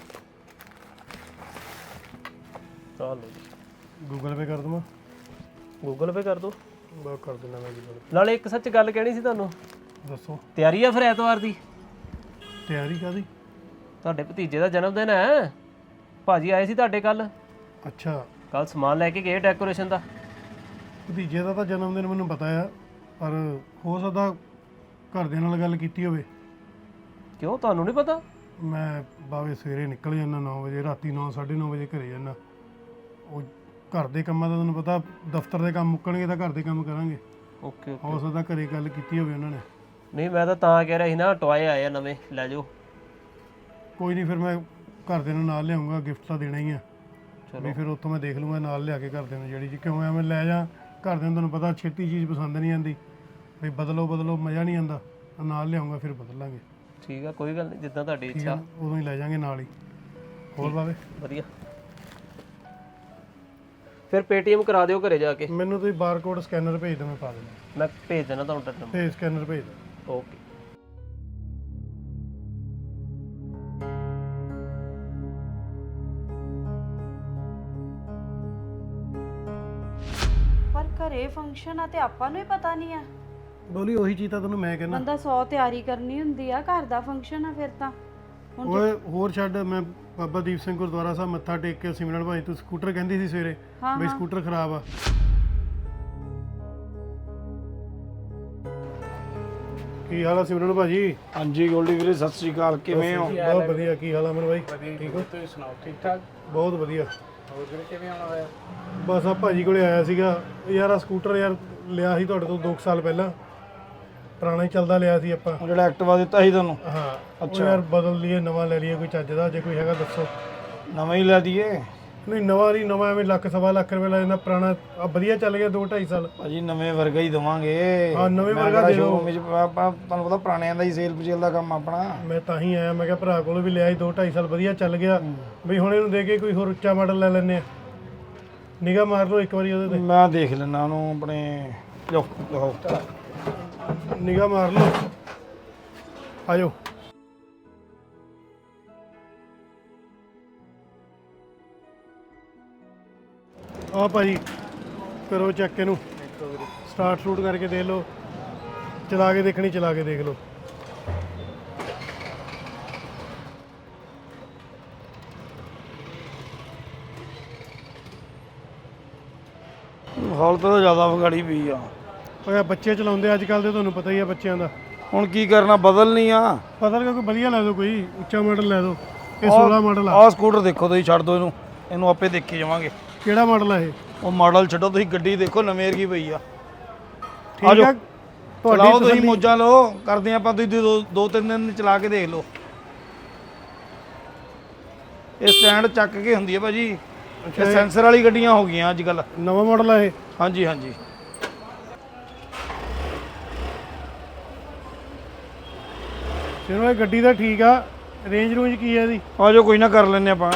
S5: ਆ ਲਓ ਜੀ
S2: ਗੂਗਲ ਪੇ ਕਰ ਦਵਾਂ?
S5: ਗੂਗਲ ਪੇ ਕਰ ਦਿਓ।
S2: ਬਸ ਕਰ ਦਿੰਦਾ ਮੈਂ ਜੀ ਗੱਲ।
S5: ਨਾਲੇ ਇੱਕ ਸੱਚ ਗੱਲ ਕਹਿਣੀ ਸੀ ਤੁਹਾਨੂੰ।
S2: ਦੱਸੋ
S5: ਤਿਆਰੀ ਆ ਫਿਰ ਐਤਵਾਰ ਦੀ?
S2: ਤਿਆਰੀ ਕਾਦੀ?
S5: ਤੁਹਾਡੇ ਭਤੀਜੇ ਦਾ ਜਨਮ ਦਿਨ ਹੈ। ਭਾਜੀ ਆਏ ਸੀ ਤੁਹਾਡੇ ਕੱਲ।
S2: ਅੱਛਾ
S5: ਕੱਲ ਸਮਾਨ ਲੈ ਕੇ ਗਏ ਡੈਕੋਰੇਸ਼ਨ ਦਾ।
S2: ਭਤੀਜੇ ਦਾ ਤਾਂ ਜਨਮ ਦਿਨ ਮੈਨੂੰ ਪਤਾ ਆ, ਪਰ ਹੋ ਸਕਦਾ ਘਰਦਿਆਂ ਨਾਲ ਗੱਲ ਕੀਤੀ ਹੋਵੇ।
S5: ਕਿਉਂ ਤੁਹਾਨੂੰ ਨਹੀਂ ਪਤਾ?
S2: ਮੈਂ ਬਾਵੇ ਸਵੇਰੇ ਨਿਕਲ ਜਾਂਦਾ ਨੌ ਵਜੇ, ਰਾਤੀ ਨੌ ਸਾਢੇ ਨੌ ਵਜੇ ਘਰੇ ਜਾਂਦਾ। ਉਹ ਘਰ ਦੇ ਕੰਮਾਂ ਦਾ ਤੁਹਾਨੂੰ ਪਤਾ, ਦਫ਼ਤਰ ਦੇ ਕੰਮ ਮੁੱਕਣਗੇ ਤਾਂ ਘਰ ਦੇ ਕੰਮ ਕਰਾਂਗੇ।
S5: Okay okay.
S2: ਹੋ ਸਕਦਾ ਘਰੇ ਗੱਲ ਕੀਤੀ ਹੋਵੇ ਉਹਨਾਂ ਨੇ।
S5: ਨਹੀਂ ਮੈਂ ਤਾਂ ਤਾਂ ਕਹਿ ਰਿਹਾ ਸੀ ਨਾ, ਟੋਏ ਆਏ ਆ ਨਵੇਂ, ਲੈ ਜਾਓ।
S2: ਕੋਈ ਨਹੀਂ, ਫਿਰ ਮੈਂ ਘਰਦਿਆਂ ਨੂੰ ਨਾਲ ਲਿਆਉਂਗਾ, ਗਿਫਟ ਤਾਂ ਦੇਣਾ ਹੀ ਆ।
S5: ਚਲੋ।
S2: ਵੀ ਫਿਰ ਉੱਥੋਂ ਮੈਂ ਦੇਖ ਲੂੰਗਾ ਨਾਲ ਲਿਆ ਕੇ ਘਰਦਿਆਂ ਨੂੰ ਜਿਹੜੀ ਜੀ, ਕਿਉਂ ਐਵੇਂ ਲੈ ਜਾ ਘਰਦਿਆਂ ਨੂੰ ਤੁਹਾਨੂੰ ਪਤਾ ਛੇਤੀ ਚੀਜ਼ ਪਸੰਦ ਨਹੀਂ ਆਉਂਦੀ, ਵੀ ਬਦਲੋ ਬਦਲੋ ਮਜ਼ਾ ਨਹੀਂ ਆਉਂਦਾ। ਨਾਲ ਲਿਆਉਂਗਾ ਫਿਰ ਬਦਲ ਲਾਂਗੇ।
S5: ਠੀਕ ਆ, ਕੋਈ ਗੱਲ ਨਹੀਂ, ਜਿੱਦਾਂ ਤੁਹਾਡੀ
S2: ਠੀਕ ਆ
S5: ਇੱਛਾ।
S2: ਨਾ? ਉਦੋਂ ਹੀ ਲੈ ਜਾਾਂਗੇ ਨਾਲ ਹੀ। ਹੋਰ ਬਾਵੇ
S5: ਵਧੀਆ। ਫਿਰ ਪੇਟੀਐਮ ਕਰਾ ਦਿਓ ਘਰੇ ਜਾ ਕੇ।
S2: ਮੈਨੂੰ ਤੁਸੀਂ ਬਾਰਕੋਡ ਸਕੈਨਰ ਭੇਜ ਦਿਓ, ਮੈਂ ਪਾ ਦਿੰਦਾ।
S5: ਮੈਂ ਭੇਜ ਦੇਣਾ ਤੁਹਾਨੂੰ ਨੰਬਰ।
S2: ਭੇਜ ਸਕੈਨਰ ਭੇਜ ਦਿਓ।
S5: ਓਕੇ।
S1: ਪਰ ਘਰੇ ਫੰਕਸ਼ਨ ਆ ਤੇ ਆਪਾਂ ਨੂੰ ਹੀ ਪਤਾ ਨਹੀਂ ਆ।
S2: ਬੋਲੀ ਉਹੀ ਚੀਜ਼ ਤਾਂ ਤੈਨੂੰ ਮੈਂ ਕਹਿੰਦਾ।
S1: ਬੰਦਾ ਸੌ ਤਿਆਰੀ ਕਰਨੀ ਹੁੰਦੀ ਆ, ਘਰ ਦਾ ਫੰਕਸ਼ਨ ਆ ਫਿਰ ਤਾਂ।
S2: ਓਏ ਹੋਰ ਛੱਡ, ਮੈਂ ਬਾਬਾ ਦੀਪ ਸਿੰਘ ਗੁਰਦੁਆਰਾ ਸਾਹਿਬ ਮੱਥਾ ਟੇਕ ਕੇ ਸਿਮਰਨ ਭਾਈ ਤੂੰ ਸਕੂਟਰ ਕਹਿੰਦੀ ਸੀ ਸਵੇਰੇ ਬਈ ਸਕੂਟਰ ਖਰਾਬ ਆ। ਕੀ ਹਾਲ ਆ ਸਿਮਰਨ ਭਾਜੀ?
S3: ਹਾਂਜੀ ਗੋਲਡੀ ਵੀਰੇ, ਸਤਿ ਸ੍ਰੀ ਅਕਾਲ, ਕਿਵੇਂ ਹੋ?
S2: ਬਹੁਤ ਵਧੀਆ। ਕੀ ਹਾਲ ਆ ਅਮਨ ਭਾਈ? ਠੀਕ ਹੋ?
S3: ਤੁਸੀਂ ਸੁਣਾਓ, ਠੀਕ ਠਾਕ?
S2: ਬਹੁਤ ਵਧੀਆ।
S3: ਹੋਰ ਵੀਰੇ ਕਿਵੇਂ ਆਉਣਾ ਹੋਇਆ?
S2: ਬਸ ਆ ਭਾਜੀ ਕੋਲੇ ਆਇਆ ਸੀਗਾ ਯਾਰ। ਆ ਸਕੂਟਰ ਯਾਰ ਲਿਆ ਸੀ ਤੁਹਾਡੇ ਤੋਂ ਦੋ ਸਾਲ ਪਹਿਲਾਂ, ਪੁਰਾਣਾ ਹੀ ਚੱਲਦਾ ਲਿਆ ਸੀ ਆਪਾਂ।
S3: ਜਿਹੜਾ ਐਕਟਿਵਾ ਦਿੱਤਾ ਸੀ ਤੁਹਾਨੂੰ?
S2: ਹਾਂ। ਅੱਛਾ ਯਾਰ ਬਦਲ ਲਈਏ, ਨਵਾਂ ਲੈ ਲਈਏ ਕੋਈ ਚੱਜ ਦਾ, ਜੇ ਕੋਈ ਹੈਗਾ ਦੱਸੋ।
S3: ਨਵਾਂ ਹੀ ਲੈ ਦਈਏ?
S2: ਨਹੀਂ ਨਵਾਂ ਨਹੀਂ, ਨਵਾਂ ਐਵੇਂ ਲੱਖ ਸਵਾ ਲੱਖ ਰੁਪਏ ਲੈ ਜਾਂਦਾ, ਪੁਰਾਣਾ ਆ ਵਧੀਆ ਚੱਲ ਗਿਆ ਦੋ ਢਾਈ ਸਾਲ।
S3: ਭਾਜੀ ਨਵੇਂ ਵਰਗਾ ਹੀ ਦਵਾਂਗੇ।
S2: ਹਾਂ ਨਵੇਂ ਵਰਗਾ ਦੇ ਦਿਓ।
S3: ਤੁਹਾਨੂੰ ਪਤਾ ਪੁਰਾਣਿਆਂ ਦਾ ਹੀ ਸੇਲ ਪਚੇਲ ਦਾ ਕੰਮ ਆਪਣਾ।
S2: ਮੈਂ ਤਾਂ ਹੀ ਆਇਆ, ਮੈਂ ਕਿਹਾ ਭਰਾ ਕੋਲ ਵੀ ਲਿਆ ਸੀ ਦੋ ਢਾਈ ਸਾਲ, ਵਧੀਆ ਚੱਲ ਗਿਆ ਬਈ, ਹੁਣ ਇਹਨੂੰ ਦੇ ਕੇ ਕੋਈ ਹੋਰ ਉੱਚਾ ਮਾਡਲ ਲੈ ਲੈਂਦੇ ਆ। ਨਿਗਾਹ ਮਾਰ ਲਓ ਇੱਕ ਵਾਰੀ ਉਹਦੇ ਤੇ।
S3: ਮੈਂ ਦੇਖ ਲੈਣਾ ਉਹਨੂੰ ਆਪਣੇ। ਲੋ ਲੋ
S2: ਨਿਗਾਹ ਮਾਰ ਲਓ, ਆਜੋ। ਆ ਭਾਜੀ ਕਰੋ ਚੈੱਕ ਇਹਨੂੰ, ਸਟਾਰਟ ਸ਼ੂਟ ਕਰਕੇ ਦੇਖ ਲਓ, ਚਲਾ ਕੇ ਦੇਖਣੀ ਚਲਾ ਕੇ ਦੇਖ ਲਓ।
S3: ਹਾਲਤ ਤਾਂ ਜ਼ਿਆਦਾ ਵਿਗੜੀ ਪਈ ਆ।
S2: ਓਏ ਬੱਚੇ ਚਲਾਉਂਦੇ ਅੱਜ ਕੱਲ ਦੇ, ਤੁਹਾਨੂੰ ਪਤਾ ਹੀ ਆ ਬੱਚਿਆਂ ਦਾ।
S3: ਹੁਣ ਕੀ ਕਰਨਾ, ਬਦਲਣੀ ਆ।
S2: ਪਤਾ ਨਹੀਂ ਕੋਈ ਵਧੀਆ ਲੈ ਦਿਓ, ਕੋਈ ਉੱਚਾ ਮਾਡਲ ਲੈ ਦਿਓ। ਇਹ ਸੋਲਾਂ ਮਾਡਲ ਆ।
S3: ਆਹ ਸਕੂਟਰ ਦੇਖੋ ਤੁਸੀਂ, ਛੱਡ ਦਿਓ ਇਹਨੂੰ, ਇਹਨੂੰ ਆਪੇ ਦੇਖੀ ਜਾਵਾਂਗੇ।
S2: ਕਿਹੜਾ ਮਾਡਲ ਆ ਇਹ?
S3: ਉਹ ਮਾਡਲ ਛੱਡੋ, ਤੁਸੀਂ ਗੱਡੀ ਦੇਖੋ ਨਵੇਂ ਵਰਗੀ ਪਈ ਆ।
S2: ਠੀਕ ਆ
S3: ਚਲਾਓ
S2: ਤੁਹਾਡੀ
S3: ਤੁਸੀਂ, ਮੋਜਾਂ ਲਓ, ਕਰਦੇ ਆਪਾਂ। ਤੁਸੀਂ ਦੋ ਦੋ ਤਿੰਨ ਦਿਨ ਚਲਾ ਕੇ ਦੇਖ ਲਓ। ਇਹ ਸਟੈਂਡ ਚੱਕ ਕੇ ਹੁੰਦੀ ਹੈ ਭਾਜੀ, ਇਹ ਸੈਂਸਰ ਵਾਲੀ ਗੱਡੀਆਂ ਹੋ ਗਈਆਂ ਅੱਜ ਕੱਲ।
S2: ਨਵਾਂ ਮਾਡਲ ਆ ਇਹ?
S3: ਹਾਂਜੀ ਹਾਂਜੀ।
S2: ਚਲੋ ਇਹ ਗੱਡੀ ਦਾ ਠੀਕ ਆ। ਰੇਂਜ ਰੂੰਜ ਕੀ ਹੈ ਇਹਦੀ?
S3: ਆ ਜਾਓ, ਕੋਈ ਨਾ ਕਰ ਲੈਂਦੇ ਆਪਾਂ।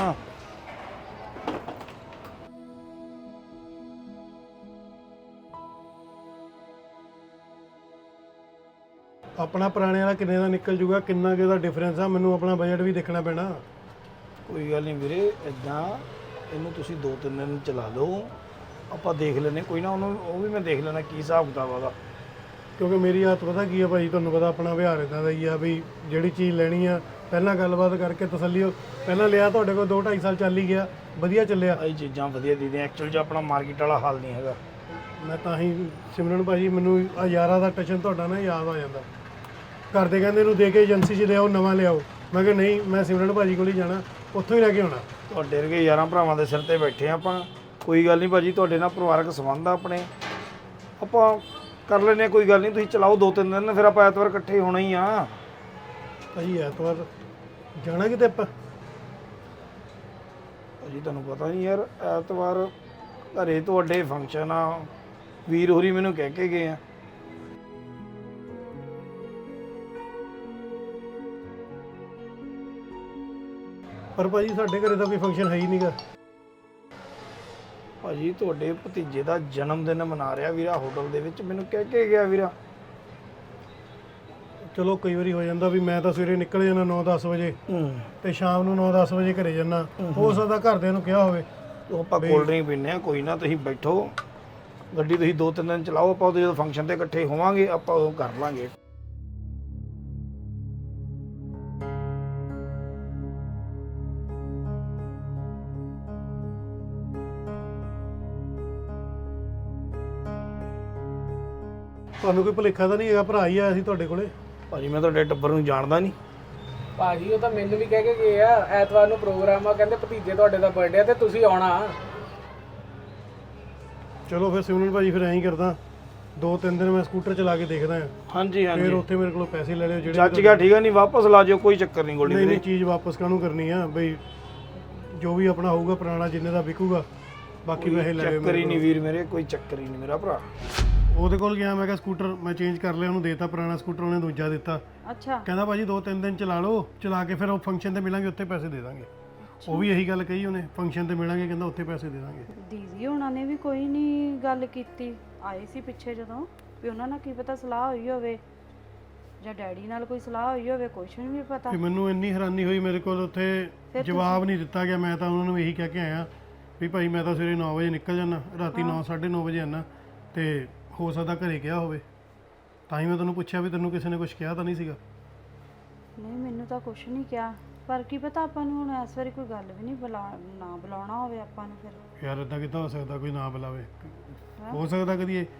S2: ਆਪਣਾ ਪੁਰਾਣੇ ਵਾਲਾ ਕਿੰਨੇ ਦਾ ਨਿਕਲ ਜੂਗਾ, ਕਿੰਨਾ ਕਿ ਦਾ ਡਿਫਰੈਂਸ ਆ? ਮੈਨੂੰ ਆਪਣਾ ਬਜਟ ਵੀ ਦੇਖਣਾ ਪੈਣਾ।
S3: ਕੋਈ ਗੱਲ ਨਹੀਂ ਵੀਰੇ, ਇਦਾਂ ਇਹਨੂੰ ਤੁਸੀਂ ਦੋ ਤਿੰਨ ਦਿਨ ਚਲਾ ਲਓ, ਆਪਾਂ ਦੇਖ ਲੈਂਦੇ ਕੋਈ ਨਾ। ਉਹਨੂੰ ਉਹ ਵੀ ਮੈਂ ਦੇਖ ਲੈਣਾ ਕੀ ਹਿਸਾਬ ਕਿਤਾਬ ਉਹਦਾ।
S2: ਕਿਉਂਕਿ ਮੇਰੀ ਆਦਤ ਪਤਾ ਕੀ ਆ ਭਾਈ, ਤੁਹਾਨੂੰ ਪਤਾ ਆਪਣਾ ਵਿਹਾਰ ਇਦਾਂ ਦਾ ਹੀ ਆ ਵੀ ਜਿਹੜੀ ਚੀਜ਼ ਲੈਣੀ ਆ ਪਹਿਲਾਂ ਗੱਲਬਾਤ ਕਰਕੇ ਤਸੱਲੀ। ਪਹਿਲਾਂ ਲਿਆ ਤੁਹਾਡੇ ਕੋਲ ਦੋ ਢਾਈ ਸਾਲ ਚੱਲ ਹੀ ਗਿਆ, ਵਧੀਆ ਚੱਲਿਆ।
S3: ਇਹ ਚੀਜ਼ਾਂ ਵਧੀਆ ਦੀਦੀ, ਐਕਚੁਅਲ 'ਚ ਆਪਣਾ ਮਾਰਕੀਟ ਵਾਲਾ ਹਾਲ ਨਹੀਂ ਹੈਗਾ।
S2: ਮੈਂ ਤਾਂ ਹੀ ਸਿਮਰਨ ਭਾਜੀ, ਮੈਨੂੰ ਆ ਯਾਰਾਂ ਦਾ ਟਸ਼ਨ ਤੁਹਾਡਾ ਨਾ ਯਾਦ ਆ ਜਾਂਦਾ। ਘਰ ਦੇ ਕਹਿੰਦੇ ਇਹਨੂੰ ਦੇ ਕੇ ਏਜੰਸੀ 'ਚ ਲਿਆਓ, ਨਵਾਂ ਲਿਆਓ। ਮੈਂ ਕਿਹਾ ਨਹੀਂ, ਮੈਂ ਸਿਮਰਨ ਭਾਜੀ ਕੋਲ ਹੀ ਜਾਣਾ, ਉੱਥੋਂ ਹੀ ਲੈ ਕੇ ਆਉਣਾ।
S3: ਤੁਹਾਡੇ ਵਰਗੇ ਯਾਰਾਂ ਭਰਾਵਾਂ ਦੇ ਸਿਰ ਤੇ ਬੈਠੇ ਆ ਆਪਾਂ। ਕੋਈ ਗੱਲ ਨਹੀਂ ਭਾਜੀ, ਤੁਹਾਡੇ ਨਾਲ ਪਰਿਵਾਰਕ ਸੰਬੰਧ ਆ ਆਪਣੇ, ਆਪਾਂ ਕਰ ਲੈਂਦੇ ਹਾਂ। ਕੋਈ ਗੱਲ ਨਹੀਂ, ਤੁਸੀਂ ਚਲਾਓ ਦੋ ਤਿੰਨ ਦਿਨ, ਫਿਰ ਆਪਾਂ ਐਤਵਾਰ ਇਕੱਠੇ ਹੋਣਾ ਹੀ ਆ।
S2: ਭਾਜੀ ਐਤਵਾਰ ਜਾਣਾ ਕਿਤੇ ਆਪਾਂ?
S3: ਭਾਜੀ ਤੁਹਾਨੂੰ ਪਤਾ ਨਹੀਂ ਯਾਰ, ਐਤਵਾਰ ਘਰੇ ਤੁਹਾਡੇ ਫੰਕਸ਼ਨ ਆ, ਵੀਰ ਹੋਰੀ ਮੈਨੂੰ ਕਹਿ ਕੇ ਗਏ ਆ।
S2: ਪਰ ਭਾਜੀ ਸਾਡੇ ਘਰੇ ਤਾਂ ਕੋਈ ਫੰਕਸ਼ਨ ਹੈ ਹੀ ਨਹੀਂਗਾ।
S3: ਭਾਜੀ ਤੁਹਾਡੇ ਭਤੀਜੇ ਦਾ ਜਨਮ ਦਿਨ ਮਨਾ ਰਿਹਾ ਵੀਰਾ ਹੋਟਲ ਦੇ ਵਿੱਚ, ਮੈਨੂੰ ਕਹਿ ਕੇ ਗਿਆ ਵੀਰਾ।
S2: ਚਲੋ ਕਈ ਵਾਰੀ ਹੋ ਜਾਂਦਾ ਵੀ ਮੈਂ ਤਾਂ ਸਵੇਰੇ ਨਿਕਲ ਜਾਂਦਾ ਨੌ ਦਸ ਵਜੇ ਤੇ ਸ਼ਾਮ ਨੂੰ ਨੌ ਦਸ ਵਜੇ ਘਰੇ ਜਾਂਦਾ। ਹੋ ਸਕਦਾ ਘਰਦਿਆਂ ਨੂੰ ਕਿਹਾ ਹੋਵੇ।
S3: ਉਹ ਆਪਾਂ ਕੋਲਡ ਡਰਿੰਕ ਪੀਂਦੇ ਆ, ਕੋਈ ਨਾ ਤੁਸੀਂ ਬੈਠੋ, ਗੱਡੀ ਤੁਸੀਂ ਦੋ ਤਿੰਨ ਦਿਨ ਚਲਾਓ, ਆਪਾਂ ਉਦੋਂ ਜਦੋਂ ਫੰਕਸ਼ਨ ਤੇ ਇਕੱਠੇ ਹੋਵਾਂਗੇ ਆਪਾਂ ਉਦੋਂ ਕਰ ਲਾਂਗੇ।
S2: ਤੁਹਾਨੂੰ ਕੋਈ ਭੁਲੇਖਾ ਤਾਂ ਨਹੀਂ ਹੈਗਾ? ਭਰਾ ਹੀ ਆਇਆ ਸੀ ਤੁਹਾਡੇ ਕੋਲੇ।
S3: ਭਾਜੀ ਮੈਂ ਤੁਹਾਡੇ ਟੱਬਰ ਨੂੰ ਜਾਣਦਾ ਨਹੀਂ।
S6: ਭਾਜੀ ਉਹ ਤਾਂ ਮੈਨੂੰ ਵੀ ਕਹਿ ਕੇ ਗਏ ਆ ਐਤਵਾਰ ਨੂੰ ਪ੍ਰੋਗਰਾਮ ਆ, ਕਹਿੰਦੇ ਭਤੀਜੇ ਤੁਹਾਡੇ ਦਾ ਬਰਥਡੇ ਆ ਤੇ ਤੁਸੀਂ ਆਉਣਾ।
S2: ਚਲੋ ਫਿਰ ਸਿਮਰਨ ਭਾਜੀ ਫਿਰ ਐਂ ਹੀ ਕਰਦਾ, ਦੋ ਤਿੰਨ ਦਿਨ ਮੈਂ ਸਕੂਟਰ ਚਲਾ ਕੇ ਦੇਖਦਾ ਹਾਂ,
S3: ਹਾਂਜੀ
S2: ਫਿਰ
S3: ਹਾਂਜੀ
S2: ਉੱਥੇ ਮੇਰੇ ਕੋਲੋਂ ਪੈਸੇ ਲੈ ਲਿਓ ਜਿਹੜੇ
S3: ਚੱਜ ਗਿਆ, ਠੀਕ ਆ, ਨਹੀਂ ਵਾਪਸ ਲਾ ਜਿਓ, ਕੋਈ ਚੱਕਰ ਨਹੀਂ ਗੋਲਡੀ
S2: ਨਹੀਂ
S3: ਵੀਰੇ।
S2: ਨਹੀਂ ਚੀਜ਼ ਵਾਪਸ ਕਾਹਨੂੰ ਕਰਨੀ ਆ ਬਈ, ਜੋ ਵੀ ਆਪਣਾ ਹੋਊਗਾ ਪੁਰਾਣਾ ਜਿੰਨੇ ਦਾ ਵਿਕੂਗਾ ਬਾਕੀ ਪੈਸੇ ਲੈ ਲਿਓ
S3: ਚੱਕਰ ਹੀ
S2: ਮੇਰੇ
S3: ਨਹੀਂ ਵੀਰ ਮੇਰੇ, ਕੋਈ ਚੱਕਰ ਹੀ ਨਹੀਂ ਮੇਰਾ ਭਰਾ।
S2: ਕੋਲੋਂ। ਉਹਦੇ ਕੋਲ ਗਿਆ, ਮੈਂ ਕਿਹਾ ਸਕੂਟਰ ਮੈਂ ਚੇਂਜ ਕਰ ਲਿਆ, ਉਹਨੂੰ ਦੇਤਾ ਪੁਰਾਣਾ ਸਕੂਟਰ, ਉਹਨੇ ਦੂਜਾ ਦਿੱਤਾ।
S1: ਅੱਛਾ
S2: ਕਹਿੰਦਾ ਭਾਜੀ ਦੋ ਤਿੰਨ ਦਿਨ ਚਲਾ ਲਓ, ਚਲਾ ਕੇ ਫਿਰ ਉਹ ਫੰਕਸ਼ਨ ਤੇ ਮਿਲਾਂਗੇ ਉੱਥੇ ਪੈਸੇ ਦੇ ਦਾਂਗੇ। ਉਹ ਵੀ ਇਹੀ ਗੱਲ ਕਹੀ ਉਹਨੇ, ਫੰਕਸ਼ਨ ਤੇ ਮਿਲਾਂਗੇ ਕਹਿੰਦਾ ਉੱਥੇ ਪੈਸੇ ਦੇ ਦਾਂਗੇ।
S1: ਦੀਦੀ ਉਹਨਾਂ ਨੇ ਵੀ ਕੋਈ ਨਹੀਂ ਗੱਲ ਕੀਤੀ, ਆਏ ਸੀ ਪਿੱਛੇ ਜਦੋਂ, ਵੀ ਉਹਨਾਂ ਨਾਲ ਕੀ ਪਤਾ ਸਲਾਹ ਹੋਈ ਹੋਵੇ ਜਾਂ ਡੈਡੀ ਨਾਲ ਕੋਈ ਸਲਾਹ ਹੋਈ ਹੋਵੇ, ਕੁਛ ਨਹੀਂ ਪਤਾ।
S2: ਤੇ ਮੈਨੂੰ ਇੰਨੀ ਹੈਰਾਨੀ ਹੋਈ, ਮੇਰੇ ਕੋਲ ਉੱਥੇ ਜਵਾਬ ਨਹੀਂ ਦਿੱਤਾ ਗਿਆ। ਮੈਂ ਤਾਂ ਉਹਨਾਂ ਨੂੰ ਇਹੀ ਕਹਿ ਕੇ ਆਇਆ ਵੀ ਭਾਈ ਮੈਂ ਤਾਂ ਸਵੇਰੇ ਨੌ ਵਜੇ ਨਿਕਲ ਜਾਂਦਾ, ਰਾਤੀ ਨੌ ਸਾਢੇ ਨੌ ਵਜੇ ਆਉਣਾ, ਤੇ ਹੋ ਸਕਦਾ ਘਰੇ ਗਿਆ ਹੋਵੇ, ਤਾਂ ਹੀ ਮੈਂ ਤੈਨੂੰ ਪੁੱਛਿਆ ਵੀ ਤੈਨੂੰ ਕਿਸੇ ਨੇ ਕੁਝ ਕਿਹਾ ਤਾਂ ਨਹੀਂ ਸੀਗਾ।
S1: ਨਹੀਂ ਮੈਨੂੰ ਤਾਂ ਕੁਛ ਨਹੀਂ ਕਿਹਾ, ਪਰ ਕੀ ਪਤਾ ਆਪਾਂ ਨੂੰ ਹੁਣ ਇਸ ਵਾਰੀ ਕੋਈ ਗੱਲ ਵੀ ਨਹੀਂ ਬੁਲਾ ਨਾ ਬੁਲਾਉਣਾ ਹੋਵੇ ਆਪਾਂ ਨੂੰ। ਫਿਰ
S2: ਯਾਰ ਇਦਾਂ ਕਿੱਦਾਂ ਹੋ ਸਕਦਾ ਕੋਈ ਨਾ ਬੁਲਾਵੇ? ਹੋ ਸਕਦਾ ਕਦੀ ਇਹ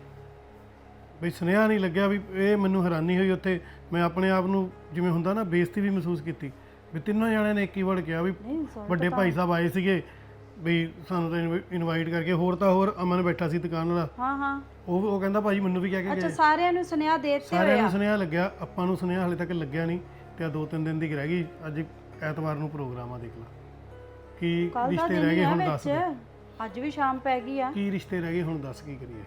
S2: ਬਈ ਸੁਨੇਹਾ ਨਹੀਂ ਲੱਗਿਆ ਵੀ, ਇਹ ਮੈਨੂੰ ਹੈਰਾਨੀ ਹੋਈ ਉੱਥੇ। ਮੈਂ ਆਪਣੇ ਆਪ ਨੂੰ ਜਿਵੇਂ ਹੁੰਦਾ ਨਾ ਬੇਇੱਜ਼ਤੀ ਵੀ ਮਹਿਸੂਸ ਕੀਤੀ ਵੀ ਤਿੰਨੋਂ ਜਣਿਆਂ ਨੇ ਇੱਕ ਹੀ ਵਰਡ ਕਿਹਾ ਵੀ
S1: ਨਹੀਂ ਸੌਰੀ
S2: ਵੱਡੇ ਭਾਈ ਸਾਹਿਬ ਆਏ ਸੀਗੇ ਵੀ ਸਾਨੂੰ ਤਾਂ ਇਨਵਾਈਟ ਕਰਕੇ। ਹੋਰ ਤਾਂ ਹੋਰ ਅਮਨ ਬੈਠਾ ਸੀ ਦੁਕਾਨ ਵਾਲਾ,
S1: ਹਾਂ ਹਾਂ
S2: ਉਹ ਉਹ ਕਹਿੰਦਾ ਭਾਜੀ ਮੈਨੂੰ ਵੀ ਕਹਿ ਕੇ
S1: ਅੱਛਾ
S2: ਗਏ।
S1: ਸਾਰਿਆਂ ਨੂੰ ਸੁਨੇਹਾ ਦੇ ਦਿੱਤੇ
S2: ਸਾਰਿਆਂ
S1: ਹੋਏ
S2: ਨੂੰ
S1: ਆ।
S2: ਸੁਨੇਹਾ ਲੱਗਿਆ, ਆਪਾਂ ਨੂੰ ਸੁਨੇਹਾ ਹਾਲੇ ਤੱਕ ਲੱਗਿਆ ਨਹੀਂ, ਤੇ ਆ ਦੋ ਤਿੰਨ ਦਿਨ ਦੀ ਰਹਿ ਗਈ। ਅੱਜ ਐਤਵਾਰ ਨੂੰ ਪ੍ਰੋਗਰਾਮ ਆ, ਦੇਖ ਲਾ ਕੀ
S1: ਕੱਲ ਦਾ
S2: ਰਿਸ਼ਤੇ
S1: ਦਿਨ
S2: ਰਹਿ
S1: ਹੀ
S2: ਗਏ
S1: ਆ
S2: ਹੁਣ ਦੱਸ ਦੇ।
S1: ਵਿੱਚ, ਅੱਜ ਵੀ ਸ਼ਾਮ ਪੈ ਗਈ ਆ।
S2: ਕੀ ਰਿਸ਼ਤੇ ਰਹਿ ਗਏ ਹੁਣ ਦੱਸ ਕੀ ਕਰੀਏ?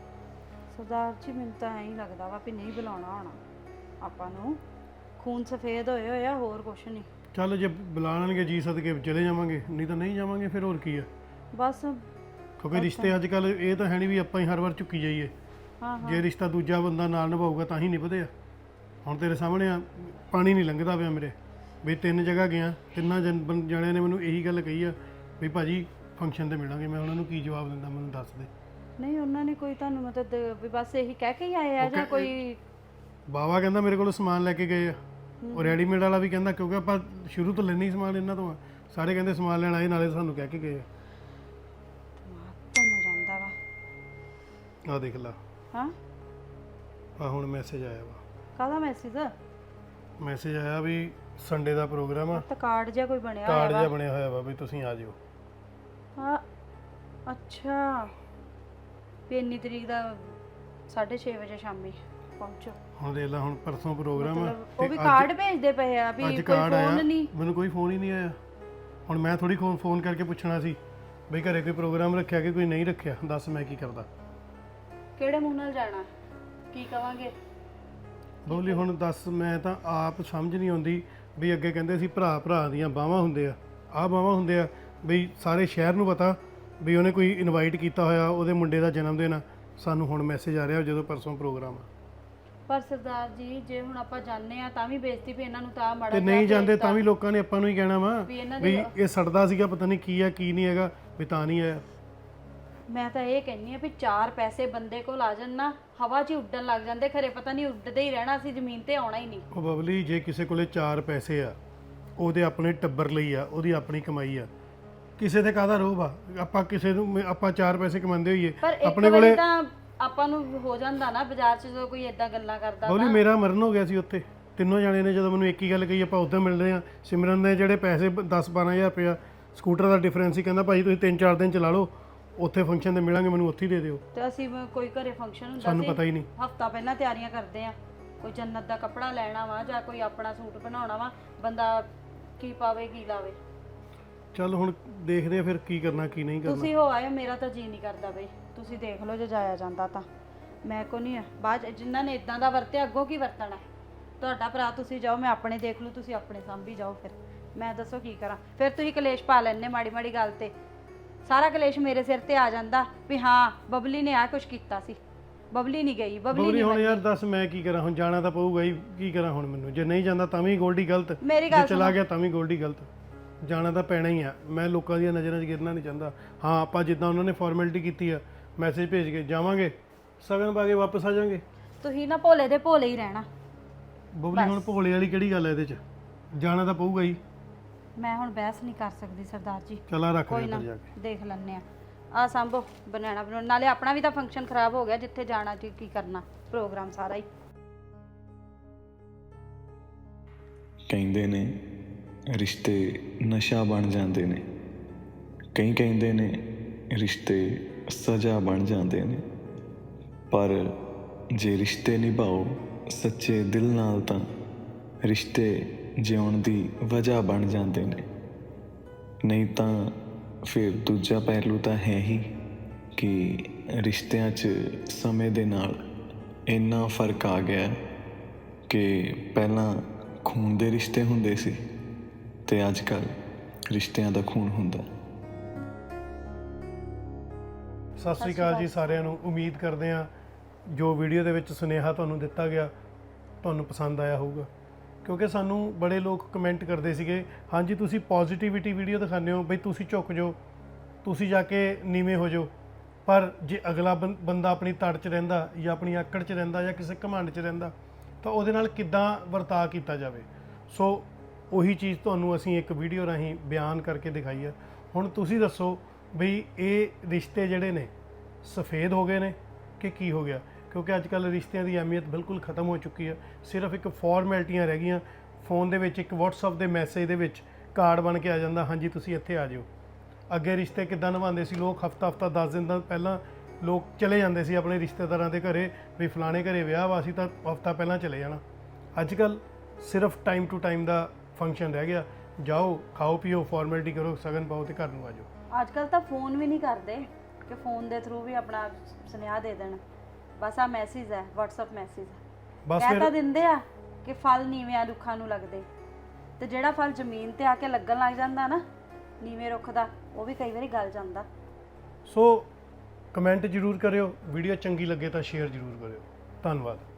S1: ਸਰਦਾਰ ਜੀ ਮੈਨੂੰ ਤਾਂ ਐਂ ਹੀ ਲੱਗਦਾ ਵਾ ਵੀ ਨਹੀਂ ਬੁਲਾਉਣਾ ਹੋਣਾ ਆਪਾਂ ਨੂੰ, ਖੂਨ ਸਫੇਦ ਹੋਏ ਹੋਏ ਆ, ਹੋਰ ਕੁਛ ਨਹੀਂ।
S2: ਚੱਲ ਜੇ ਬੁਲਾਣਗੇ ਜੀ ਸਦਕੇ ਚਲੇ ਜਾਵਾਂਗੇ, ਨਹੀਂ ਤਾਂ ਨਹੀਂ ਜਾਵਾਂਗੇ, ਫਿਰ ਹੋਰ ਕੀ ਆ।
S1: ਬਸ
S2: ਕਿਉਂਕਿ ਰਿਸ਼ਤੇ ਅੱਜ ਕੱਲ ਇਹ ਤਾਂ ਹੈ ਨਹੀਂ ਵੀ ਆਪਾਂ ਹੀ ਹਰ ਵਾਰ ਚੁੱਕੀ ਜਾਈਏ।
S1: ਹਾਂ ਹਾਂ
S2: ਜੇ ਰਿਸ਼ਤਾ ਦੂਜਾ ਬੰਦਾ ਨਾਲ ਨਿਭਾਊਗਾ ਤਾਂ ਹੀ ਨਿਭਦੇ ਆ। ਹੁਣ ਤੇਰੇ ਸਾਹਮਣੇ ਆ, ਪਾਣੀ ਨਹੀਂ ਲੰਘਦਾ ਪਿਆ ਮੇਰੇ ਵੀ ਤਿੰਨ ਜਗ੍ਹਾ ਗਿਆ, ਤਿੰਨਾਂ ਜਣ ਬੰ- ਜਣਿਆਂ ਨੇ ਮੈਨੂੰ ਇਹੀ ਗੱਲ ਕਹੀ ਆ ਵੀ ਭਾਜੀ ਫੰਕਸ਼ਨ ਤੇ ਮਿਲਾਂਗੇ। ਮੈਂ ਉਹਨਾਂ ਨੂੰ ਕੀ ਜਵਾਬ ਦਿੰਦਾ, ਮੈਨੂੰ ਦੱਸ ਦੇ।
S1: ਨਹੀਂ ਉਹਨਾਂ ਨੇ ਕੋਈ ਤੁਹਾਨੂੰ ਮਤਲਬ ਦ- ਵੀ ਬਸ ਇਹੀ ਕਹਿ ਕੇ ਹੀ ਆਏ ਆ ਜਾਂ ਕੋਈ?
S2: ਬਾਵਾ ਕਹਿੰਦਾ ਮੇਰੇ ਕੋਲ ਸਮਾਨ ਲੈ ਕੇ ਗਏ ਆ, ਉਹ ਰੈਡੀਮੇਡ ਵਾਲਾ ਵੀ ਕਹਿੰਦਾ, ਕਿਉਂਕਿ ਆਪਾਂ ਸ਼ੁਰੂ ਤੋਂ ਲੈਣੀ ਸਮਾਨ ਇਹਨਾਂ ਤੋਂ ਆ। ਸਾਰੇ ਕਹਿੰਦੇ ਸਮਾਨ ਲੈਣ ਆਏ, ਨਾਲੇ ਸਾਨੂੰ ਕਹਿ ਕੇ ਗਏ ਆ।
S1: ਤੁਹਾਨੂੰ ਜਾਂਦਾ ਵਾ
S2: ਆਹ ਦੇਖ ਲਾ,
S1: ਹਾਂ।
S2: ਆ ਹੁਣ ਮੈਸੇਜ ਆਇਆ ਵਾ,
S1: ਕਾਹਦਾ ਮੈਸੇਜ?
S2: ਮੈਸੇਜ ਆਇਆ ਵੀ ਸੰਡੇ ਦਾ ਪ੍ਰੋਗਰਾਮ ਆ,
S1: ਤਾਂ ਕਾਰਡ ਜਿਹਾ ਕੋਈ ਬਣਿਆ
S2: ਕਾਰਡ
S1: ਹੋਇਆ
S2: ਜਿਹਾ
S1: ਵਾ।
S2: ਬਣਿਆ ਹੋਇਆ ਵਾ ਵੀ ਤੁਸੀਂ ਆ ਜਿਓ।
S1: ਹਾਂ ਅੱਛਾ, ਵੀ ਇੰਨੀ ਤਰੀਕ ਦਾ ਸਾਢੇ ਛੇ ਵਜੇ ਸ਼ਾਮੀ ਪਹੁੰਚੋ।
S2: ਹੁਣ ਦੇਖ ਲਾ, ਹੁਣ ਪਰਸੋਂ ਪ੍ਰੋਗਰਾਮ ਆ,
S1: ਮਤਲਬ ਉਹ ਵੀ
S2: ਤੇ
S1: ਕਾਰਡ ਭੇਜਦੇ ਪਏ ਆ ਵੀ
S2: ਅੱਜ
S1: ਕੋਈ
S2: ਕਾਰਡ ਆਇਆ,
S1: ਫੋਨ ਨਹੀਂ।
S2: ਮੈਨੂੰ ਕੋਈ ਫੋਨ ਹੀ ਨਹੀਂ ਆਇਆ। ਹੁਣ ਮੈਂ ਥੋੜੀ ਫੋਨ ਕਰਕੇ ਪੁੱਛਣਾ ਸੀ ਬਈ ਘਰੇ ਕੋਈ ਪ੍ਰੋਗਰਾਮ ਰੱਖਿਆ ਕਿ ਕੋਈ ਨਹੀਂ ਰੱਖਿਆ, ਦੱਸ ਮੈਂ ਕੀ ਕਰਦਾ?
S1: ਕਿਹੜੇ ਮੂੰਹ ਨਾਲ ਜਾਣਾ, ਕੀ ਕਵਾਂਗੇ?
S2: ਬੋਲੀ ਹੁਣ ਦੱਸ, ਮੈਂ ਤਾਂ ਆਪ ਸਮਝ ਨਹੀਂ ਆਉਂਦੀ ਵੀ ਅੱਗੇ ਕਹਿੰਦੇ ਸੀ ਭਰਾ ਭਰਾ ਦੀਆਂ ਬਾਹਾਂ ਹੁੰਦੇ ਆ, ਆਹ ਬਾਹਾਂ ਹੁੰਦੇ ਆ ਬਈ ਸਾਰੇ ਸ਼ਹਿਰ ਨੂੰ ਪਤਾ ਵੀ ਉਹਨੇ ਕੋਈ ਇਨਵਾਈਟ ਕੀਤਾ ਹੋਇਆ, ਉਹਦੇ ਮੁੰਡੇ ਦਾ ਜਨਮ ਦਿਨ ਆ। ਸਾਨੂੰ ਹੁਣ ਮੈਸੇਜ ਆ ਰਿਹਾ ਜਦੋਂ ਪਰਸੋਂ ਪ੍ਰੋਗਰਾਮ ਆ।
S1: ਪਰ ਸਰਦਾਰ ਜੀ ਜੇ ਹੁਣ ਆਪਾਂ ਜਾਣੇ ਆ ਤਾਂ ਵੀ ਬੇਇੱਜ਼ਤੀ ਵੀ ਇਹਨਾਂ ਨੂੰ ਤਾਂ ਮਾੜਾ
S2: ਤੇ ਨਹੀਂ ਜਾਂਦੇ ਤਾਂ ਵੀ ਲੋਕਾਂ ਨੇ ਆਪਾਂ ਨੂੰ ਹੀ ਕਹਿਣਾ ਵਾ
S1: ਵੀ ਇਹਨਾਂ
S2: ਵੀ ਇਹ ਸੜਦਾ ਸੀਗਾ, ਪਤਾ ਨਹੀਂ ਕੀ ਆ ਕੀ ਨਹੀਂ ਹੈਗਾ, ਵੀ ਤਾਂ ਨਹੀਂ ਆਇਆ।
S1: ਮੈਂ ਤਾਂ ਇਹ ਕਹਿੰਨੀ ਆ ਵੀ ਚਾਰ ਪੈਸੇ ਬੰਦੇ ਕੋਲ ਆ ਜਾਣ ਨਾ, ਹਵਾ 'ਚ ਹੀ ਉੱਡਣ ਲੱਗ ਜਾਂਦੇ, ਖਰੇ ਪਤਾ ਨਹੀਂ ਉੱਡਦੇ ਹੀ ਰਹਿਣਾ ਸੀ, ਜ਼ਮੀਨ ਤੇ ਆਉਣਾ ਹੀ ਨਹੀਂ।
S2: ਉਹ ਬਬਲੀ, ਜੇ ਕਿਸੇ ਕੋਲੇ ਚਾਰ ਪੈਸੇ ਆ, ਉਹਦੇ ਆਪਣੇ ਟੱਬਰ ਲਈ ਆ, ਉਹਦੀ ਆਪਣੀ ਕਮਾਈ ਆ, ਕਿਸੇ ਤੇ ਕਾਹਦਾ ਰੋਹ ਆ? ਆਪਾਂ ਕਿਸੇ ਨੂੰ ਆਪਾਂ ਚਾਰ ਪੈਸੇ ਕਮਾਉਂਦੇ ਹੋਈਏ,
S1: ਪਰ ਇੱਕ
S2: ਆਪਣੇ
S1: ਵਾਰੀ
S2: ਕੋਲੇ।
S1: ਤਾਂ ਆਪਾਂ ਨੂੰ ਹੋ ਜਾਂਦਾ ਨਾ ਬਾਜ਼ਾਰ 'ਚ ਜਦੋਂ ਕੋਈ ਏਦਾਂ ਗੱਲਾਂ ਕਰਦਾ
S2: ਬਬਲੀ, ਮੇਰਾ ਮਰਨ ਹੋ ਗਿਆ ਸੀ ਉੱਥੇ। ਤਿੰਨੋਂ ਜਾਣੇ ਨੇ ਜਦੋਂ ਮੈਨੂੰ ਇੱਕ ਹੀ ਗੱਲ ਕਹੀ, ਆਪਾਂ ਉੱਧਰ ਮਿਲਦੇ ਆ। ਸਿਮਰਨ ਨੇ ਜਿਹੜੇ ਪੈਸੇ ਦਸ ਬਾਰਾਂ ਹਜ਼ਾਰ ਰੁਪਇਆ ਸਕੂਟਰ ਦਾ ਡਿਫਰੈਂਸ ਸੀ, ਕਹਿੰਦਾ ਭਾਈ ਤੁਸੀਂ ਤਿੰਨ ਚਾਰ ਦਿਨ ਚਲਾ ਲਓ, ਉੱਥੇ ਫੰਕਸ਼ਨ ਤੇ ਮਿਲਾਂਗੇ, ਮੈਨੂੰ ਉੱਥੇ ਹੀ ਦੇ ਦਿਓ।
S1: ਤੇ ਅਸੀਂ ਮ- ਕੋਈ ਘਰੇ ਫੰਕਸ਼ਨ ਹੁੰਦਾ
S2: ਸਾਨੂੰ
S1: ਸੀ,
S2: ਪਤਾ ਹੀ ਨਹੀਂ।
S1: ਹਫਤਾ ਪਹਿਲਾਂ ਤਿਆਰੀਆਂ ਕਰਦੇ ਆ, ਕੋਈ ਜੰਨਤ ਦਾ ਕੱਪੜਾ ਲੈਣਾ ਵਾ ਜਾਂ ਕੋਈ ਆਪਣਾ ਸੂਟ ਬਣਾਉਣਾ ਵਾ, ਬੰਦਾ ਕੀ ਪਾਵੇ ਕੀ ਲਾਵੇ।
S2: ਚੱਲ ਹੁਣ ਦੇਖਦੇ ਆ ਫਿਰ ਕੀ ਕਰਨਾ ਕੀ ਨਹੀਂ ਕਰਨਾ।
S1: ਤੁਸੀਂ ਹੋ ਆਏ, ਮੇਰਾ ਤਾਂ ਜੀ ਨਹੀਂ ਕਰਦਾ ਬਈ, ਤੁਸੀਂ ਦੇਖ ਲਓ ਜੇ ਜਾਇਆ ਜਾਂਦਾ ਤਾਂ। ਮੈਂ ਕੋ ਨਹੀਂ ਆ, ਬਾਅਦ 'ਚ ਜਿਨ੍ਹਾਂ ਨੇ ਇਦਾਂ ਦਾ ਵਰਤਿਆ ਅੱਗੋਂ ਕੀ ਵਰਤਣਾ? ਤੁਹਾਡਾ ਭਰਾ, ਤੁਸੀਂ ਜਾਓ, ਮੈਂ ਆਪਣੇ ਦੇਖ ਲੂ, ਤੁਸੀਂ ਆਪਣੇ ਸਾਂਭੀ ਜਾਓ। ਫਿਰ ਮੈਂ ਦੱਸੋ ਕੀ ਕਰਾਂ? ਫਿਰ ਤੁਸੀਂ ਕਲੇਸ਼ ਪਾ ਲੈਣੇ ਮਾੜੀ ਮਾੜੀ ਗੱਲ ਤੇ, ਸਾਰਾ ਕਲੇਸ਼ ਮੇਰੇ ਸਿਰ ਤੇ ਆ ਜਾਂਦਾ ਵੀ ਹਾਂ ਬਬਲੀ ਨੇ ਆ ਕੁਝ ਕੀਤਾ ਸੀ, ਬਬਲੀ ਨਹੀਂ ਗਈ, ਬਬਲੀ
S2: ਬਬਲੀ
S1: ਨਹੀਂ
S2: ਹੁਣ
S1: ਮੰਨੀ।
S2: ਯਾਰ ਦੱਸ ਮੈਂ ਕੀ ਕਰਾਂ? ਹੁਣ ਜਾਣਾ ਤਾਂ ਪਊਗਾ ਹੀ, ਕੀ ਕਰਾਂ ਹੁਣ ਮੈਨੂੰ? ਜੇ ਨਹੀਂ ਜਾਂਦਾ ਤਾਂ ਵੀ ਗੋਲਡੀ ਗਲਤ,
S1: ਮੇਰੀ
S2: ਜੇ
S1: ਗੱਲ
S2: ਚਲਾ ਗਿਆ ਤਾਂ ਵੀ ਗੋਲਡੀ ਗਲਤ। ਜਾਣਾ ਤਾਂ ਪੈਣਾ ਹੀ ਆ, ਮੈਂ ਲੋਕਾਂ ਦੀਆਂ ਨਜ਼ਰਾਂ 'ਚ ਗਿਰਨਾ ਨਹੀਂ ਚਾਹੁੰਦਾ। ਹਾਂ ਆਪਾਂ ਜਿੱਦਾਂ ਉਹਨਾਂ ਨੇ ਫਾਰਮੈਲਿਟੀ ਕੀਤੀ ਆ, ਮੈਸੇਜ ਭੇਜ ਕੇ ਜਾਵਾਂਗੇ, ਸਗਨ ਪਾ ਕੇ ਵਾਪਸ ਆ ਜਾਾਂਗੇ।
S1: ਤੁਸੀਂ ਨਾ ਭੋਲੇ ਦੇ ਭੋਲੇ ਹੀ ਰਹਿਣਾ।
S2: ਬਬਲੀ ਹੁਣ ਭੋਲੇ ਵਾਲੀ ਕਿਹੜੀ ਗੱਲ ਹੈ ਇਹਦੇ 'ਚ? ਜਾਣਾ ਤਾਂ ਪਊਗਾ ਹੀ।
S1: ਮੈਂ ਹੁਣ ਬਹਿਸ ਨਹੀਂ ਕਰ ਸਕਦੀ ਸਰਦਾਰ ਜੀ।
S2: ਚਲਾ ਰੱਖ
S1: ਕੋਈ
S2: ਦੇ
S1: ਨਾ
S2: ਉੱਧਰ ਜਾ ਕੇ।
S1: ਦੇਖ ਲੈਣੇ ਆ। ਆ ਸੰਭੋ ਬਣਾਣਾ ਬਣਾਉਣ ਨਾਲੇ ਆਪਣਾ ਵੀ ਤਾਂ ਫੰਕਸ਼ਨ ਖਰਾਬ ਹੋ ਗਿਆ, ਜਿੱਥੇ ਜਾਣਾ ਜੀ ਕੀ ਕਰਨਾ, ਪ੍ਰੋਗਰਾਮ ਸਾਰਾ ਹੀ।
S7: ਕਹਿੰਦੇ ਨੇ ਰਿਸ਼ਤੇ ਨਸ਼ਾ ਬਣ ਜਾਂਦੇ ਨੇ, ਕਈ ਕਹਿੰਦੇ ਨੇ ਰਿਸ਼ਤੇ ਸਜ਼ਾ ਬਣ ਜਾਂਦੇ ਨੇ, ਪਰ ਜੇ ਰਿਸ਼ਤੇ ਨਿਭਾਓ ਸੱਚੇ ਦਿਲ ਨਾਲ ਤਾਂ ਰਿਸ਼ਤੇ ਜਿਉਣ ਦੀ ਵਜ੍ਹਾ ਬਣ ਜਾਂਦੇ ਨੇ। ਨਹੀਂ ਤਾਂ ਫਿਰ ਦੂਜਾ ਪਹਿਲੂ ਤਾਂ ਹੈ ਹੀ ਕਿ ਰਿਸ਼ਤਿਆਂ 'ਚ ਸਮੇਂ ਦੇ ਨਾਲ ਇੰਨਾ ਫਰਕ ਆ ਗਿਆ ਕਿ ਪਹਿਲਾਂ ਖੂਨ ਦੇ ਰਿਸ਼ਤੇ ਹੁੰਦੇ ਸੀ ਤੇ ਅੱਜ ਕੱਲ੍ਹ ਰਿਸ਼ਤਿਆਂ ਦਾ ਖੂਨ ਹੁੰਦਾ।
S2: ਸਤਿ ਸ੍ਰੀ ਅਕਾਲ ਜੀ ਸਾਰਿਆਂ ਨੂੰ। ਉਮੀਦ ਕਰਦੇ ਹਾਂ ਜੋ ਵੀਡੀਓ ਦੇ ਵਿੱਚ ਸੁਨੇਹਾ ਤੁਹਾਨੂੰ ਦਿੱਤਾ ਗਿਆ ਤੁਹਾਨੂੰ ਪਸੰਦ ਆਇਆ ਹੋਊਗਾ, ਕਿਉਂਕਿ ਸਾਨੂੰ ਬੜੇ ਲੋਕ ਕਮੈਂਟ ਕਰਦੇ ਸੀਗੇ, ਹਾਂਜੀ ਤੁਸੀਂ ਪੋਜ਼ਿਟਿਵਿਟੀ ਵੀਡੀਓ ਦਿਖਾਉਂਦੇ ਹੋ ਬਈ, ਤੁਸੀਂ ਝੁਕ ਜਾਓ, ਤੁਸੀਂ ਜਾ ਕੇ ਨੀਵੇਂ ਹੋ ਜਾਓ। ਪਰ ਜੇ ਅਗਲਾ ਬੰ- ਬੰਦਾ ਆਪਣੀ ਤੜ 'ਚ ਰਹਿੰਦਾ ਜਾਂ ਆਪਣੀ ਆਕੜ 'ਚ ਰਹਿੰਦਾ ਜਾਂ ਕਿਸੇ ਘਮੰਡ 'ਚ ਰਹਿੰਦਾ ਤਾਂ ਉਹਦੇ ਨਾਲ ਕਿੱਦਾਂ ਵਰਤਾਅ ਕੀਤਾ ਜਾਵੇ। ਸੋ ਉਹੀ ਚੀਜ਼ ਤੁਹਾਨੂੰ ਅਸੀਂ ਇੱਕ ਵੀਡੀਓ ਰਾਹੀਂ ਬਿਆਨ ਕਰਕੇ ਦਿਖਾਈ ਹੈ। ਹੁਣ ਤੁਸੀਂ ਦੱਸੋ ਬਈ ਇਹ ਰਿਸ਼ਤੇ ਜਿਹੜੇ ਨੇ ਸਫੇਦ ਹੋ ਗਏ ਨੇ ਕਿ ਕੀ ਹੋ ਗਿਆ? ਕਿਉਂਕਿ ਅੱਜ ਕੱਲ੍ਹ ਰਿਸ਼ਤਿਆਂ ਦੀ ਅਹਿਮੀਅਤ ਬਿਲਕੁਲ ਖਤਮ ਹੋ ਚੁੱਕੀ ਹੈ। ਸਿਰਫ ਇੱਕ ਫਾਰਮੈਲਿਟੀਆਂ ਰਹਿ ਗਈਆਂ। ਫੋਨ ਦੇ ਵਿੱਚ ਇੱਕ WhatsApp ਦੇ ਮੈਸੇਜ ਦੇ ਵਿੱਚ ਕਾਰਡ ਬਣ ਕੇ ਆ ਜਾਂਦਾ, ਹਾਂਜੀ ਤੁਸੀਂ ਇੱਥੇ ਆ ਜਿਓ। ਅੱਗੇ ਰਿਸ਼ਤੇ ਕਿੱਦਾਂ ਨਿਭਾਉਂਦੇ ਸੀ ਲੋਕ? ਹਫਤਾ ਹਫਤਾ ਦਸ ਦਿਨ ਦਾ ਪਹਿਲਾਂ ਲੋਕ ਚਲੇ ਜਾਂਦੇ ਸੀ ਆਪਣੇ ਰਿਸ਼ਤੇਦਾਰਾਂ ਦੇ ਘਰੇ, ਵੀ ਫਲਾਣੇ ਘਰੇ ਵਿਆਹ ਵਾ, ਅਸੀਂ ਤਾਂ ਹਫਤਾ ਪਹਿਲਾਂ ਚਲੇ ਜਾਣਾ। ਅੱਜ ਕੱਲ੍ਹ ਸਿਰਫ ਟਾਈਮ ਟੂ ਟਾਈਮ ਦਾ ਫੰਕਸ਼ਨ ਰਹਿ ਗਿਆ। ਜਾਓ, ਖਾਓ ਪੀਓ, ਫਾਰਮੈਲਿਟੀ ਕਰੋ, ਸ਼ਗਨ ਪਾਓ ਤੇ ਘਰ ਨੂੰ ਆ ਜਾਓ।
S1: ਅੱਜ ਕੱਲ ਤਾਂ ਫੋਨ ਵੀ ਨਹੀਂ ਕਰਦੇ ਕਿ ਫੋਨ ਦੇ ਥਰੂ ਵੀ ਆਪਣਾ ਸੁਨੇਹਾ ਦੇ ਦੇਣ। ਬਸ ਆ ਮੈਸੇਜ ਹੈ, WhatsApp ਮੈਸੇਜ
S2: ਬਸ
S1: ਕਹਿ ਤਾਂ
S2: ਫਿਰ
S1: ਦਿੰਦੇ ਆ ਕਿ ਫਲ ਨੀਵਿਆਂ ਰੁੱਖਾਂ ਨੂੰ ਲੱਗਦੇ, ਤੇ ਜਿਹੜਾ ਫਲ ਜ਼ਮੀਨ ਤੇ ਆ ਕੇ ਲੱਗਣ ਲੱਗ ਜਾਂਦਾ ਨਾ ਨੀਵੇਂ ਰੁੱਖ ਦਾ, ਉਹ ਵੀ ਕਈ ਵਾਰੀ ਗਲ ਜਾਂਦਾ।
S2: ਸੋ ਕਮੈਂਟ ਜ਼ਰੂਰ ਕਰਿਓ, ਵੀਡੀਓ ਚੰਗੀ ਲੱਗੇ ਤਾਂ ਸ਼ੇਅਰ ਜ਼ਰੂਰ ਕਰਿਓ। ਧੰਨਵਾਦ।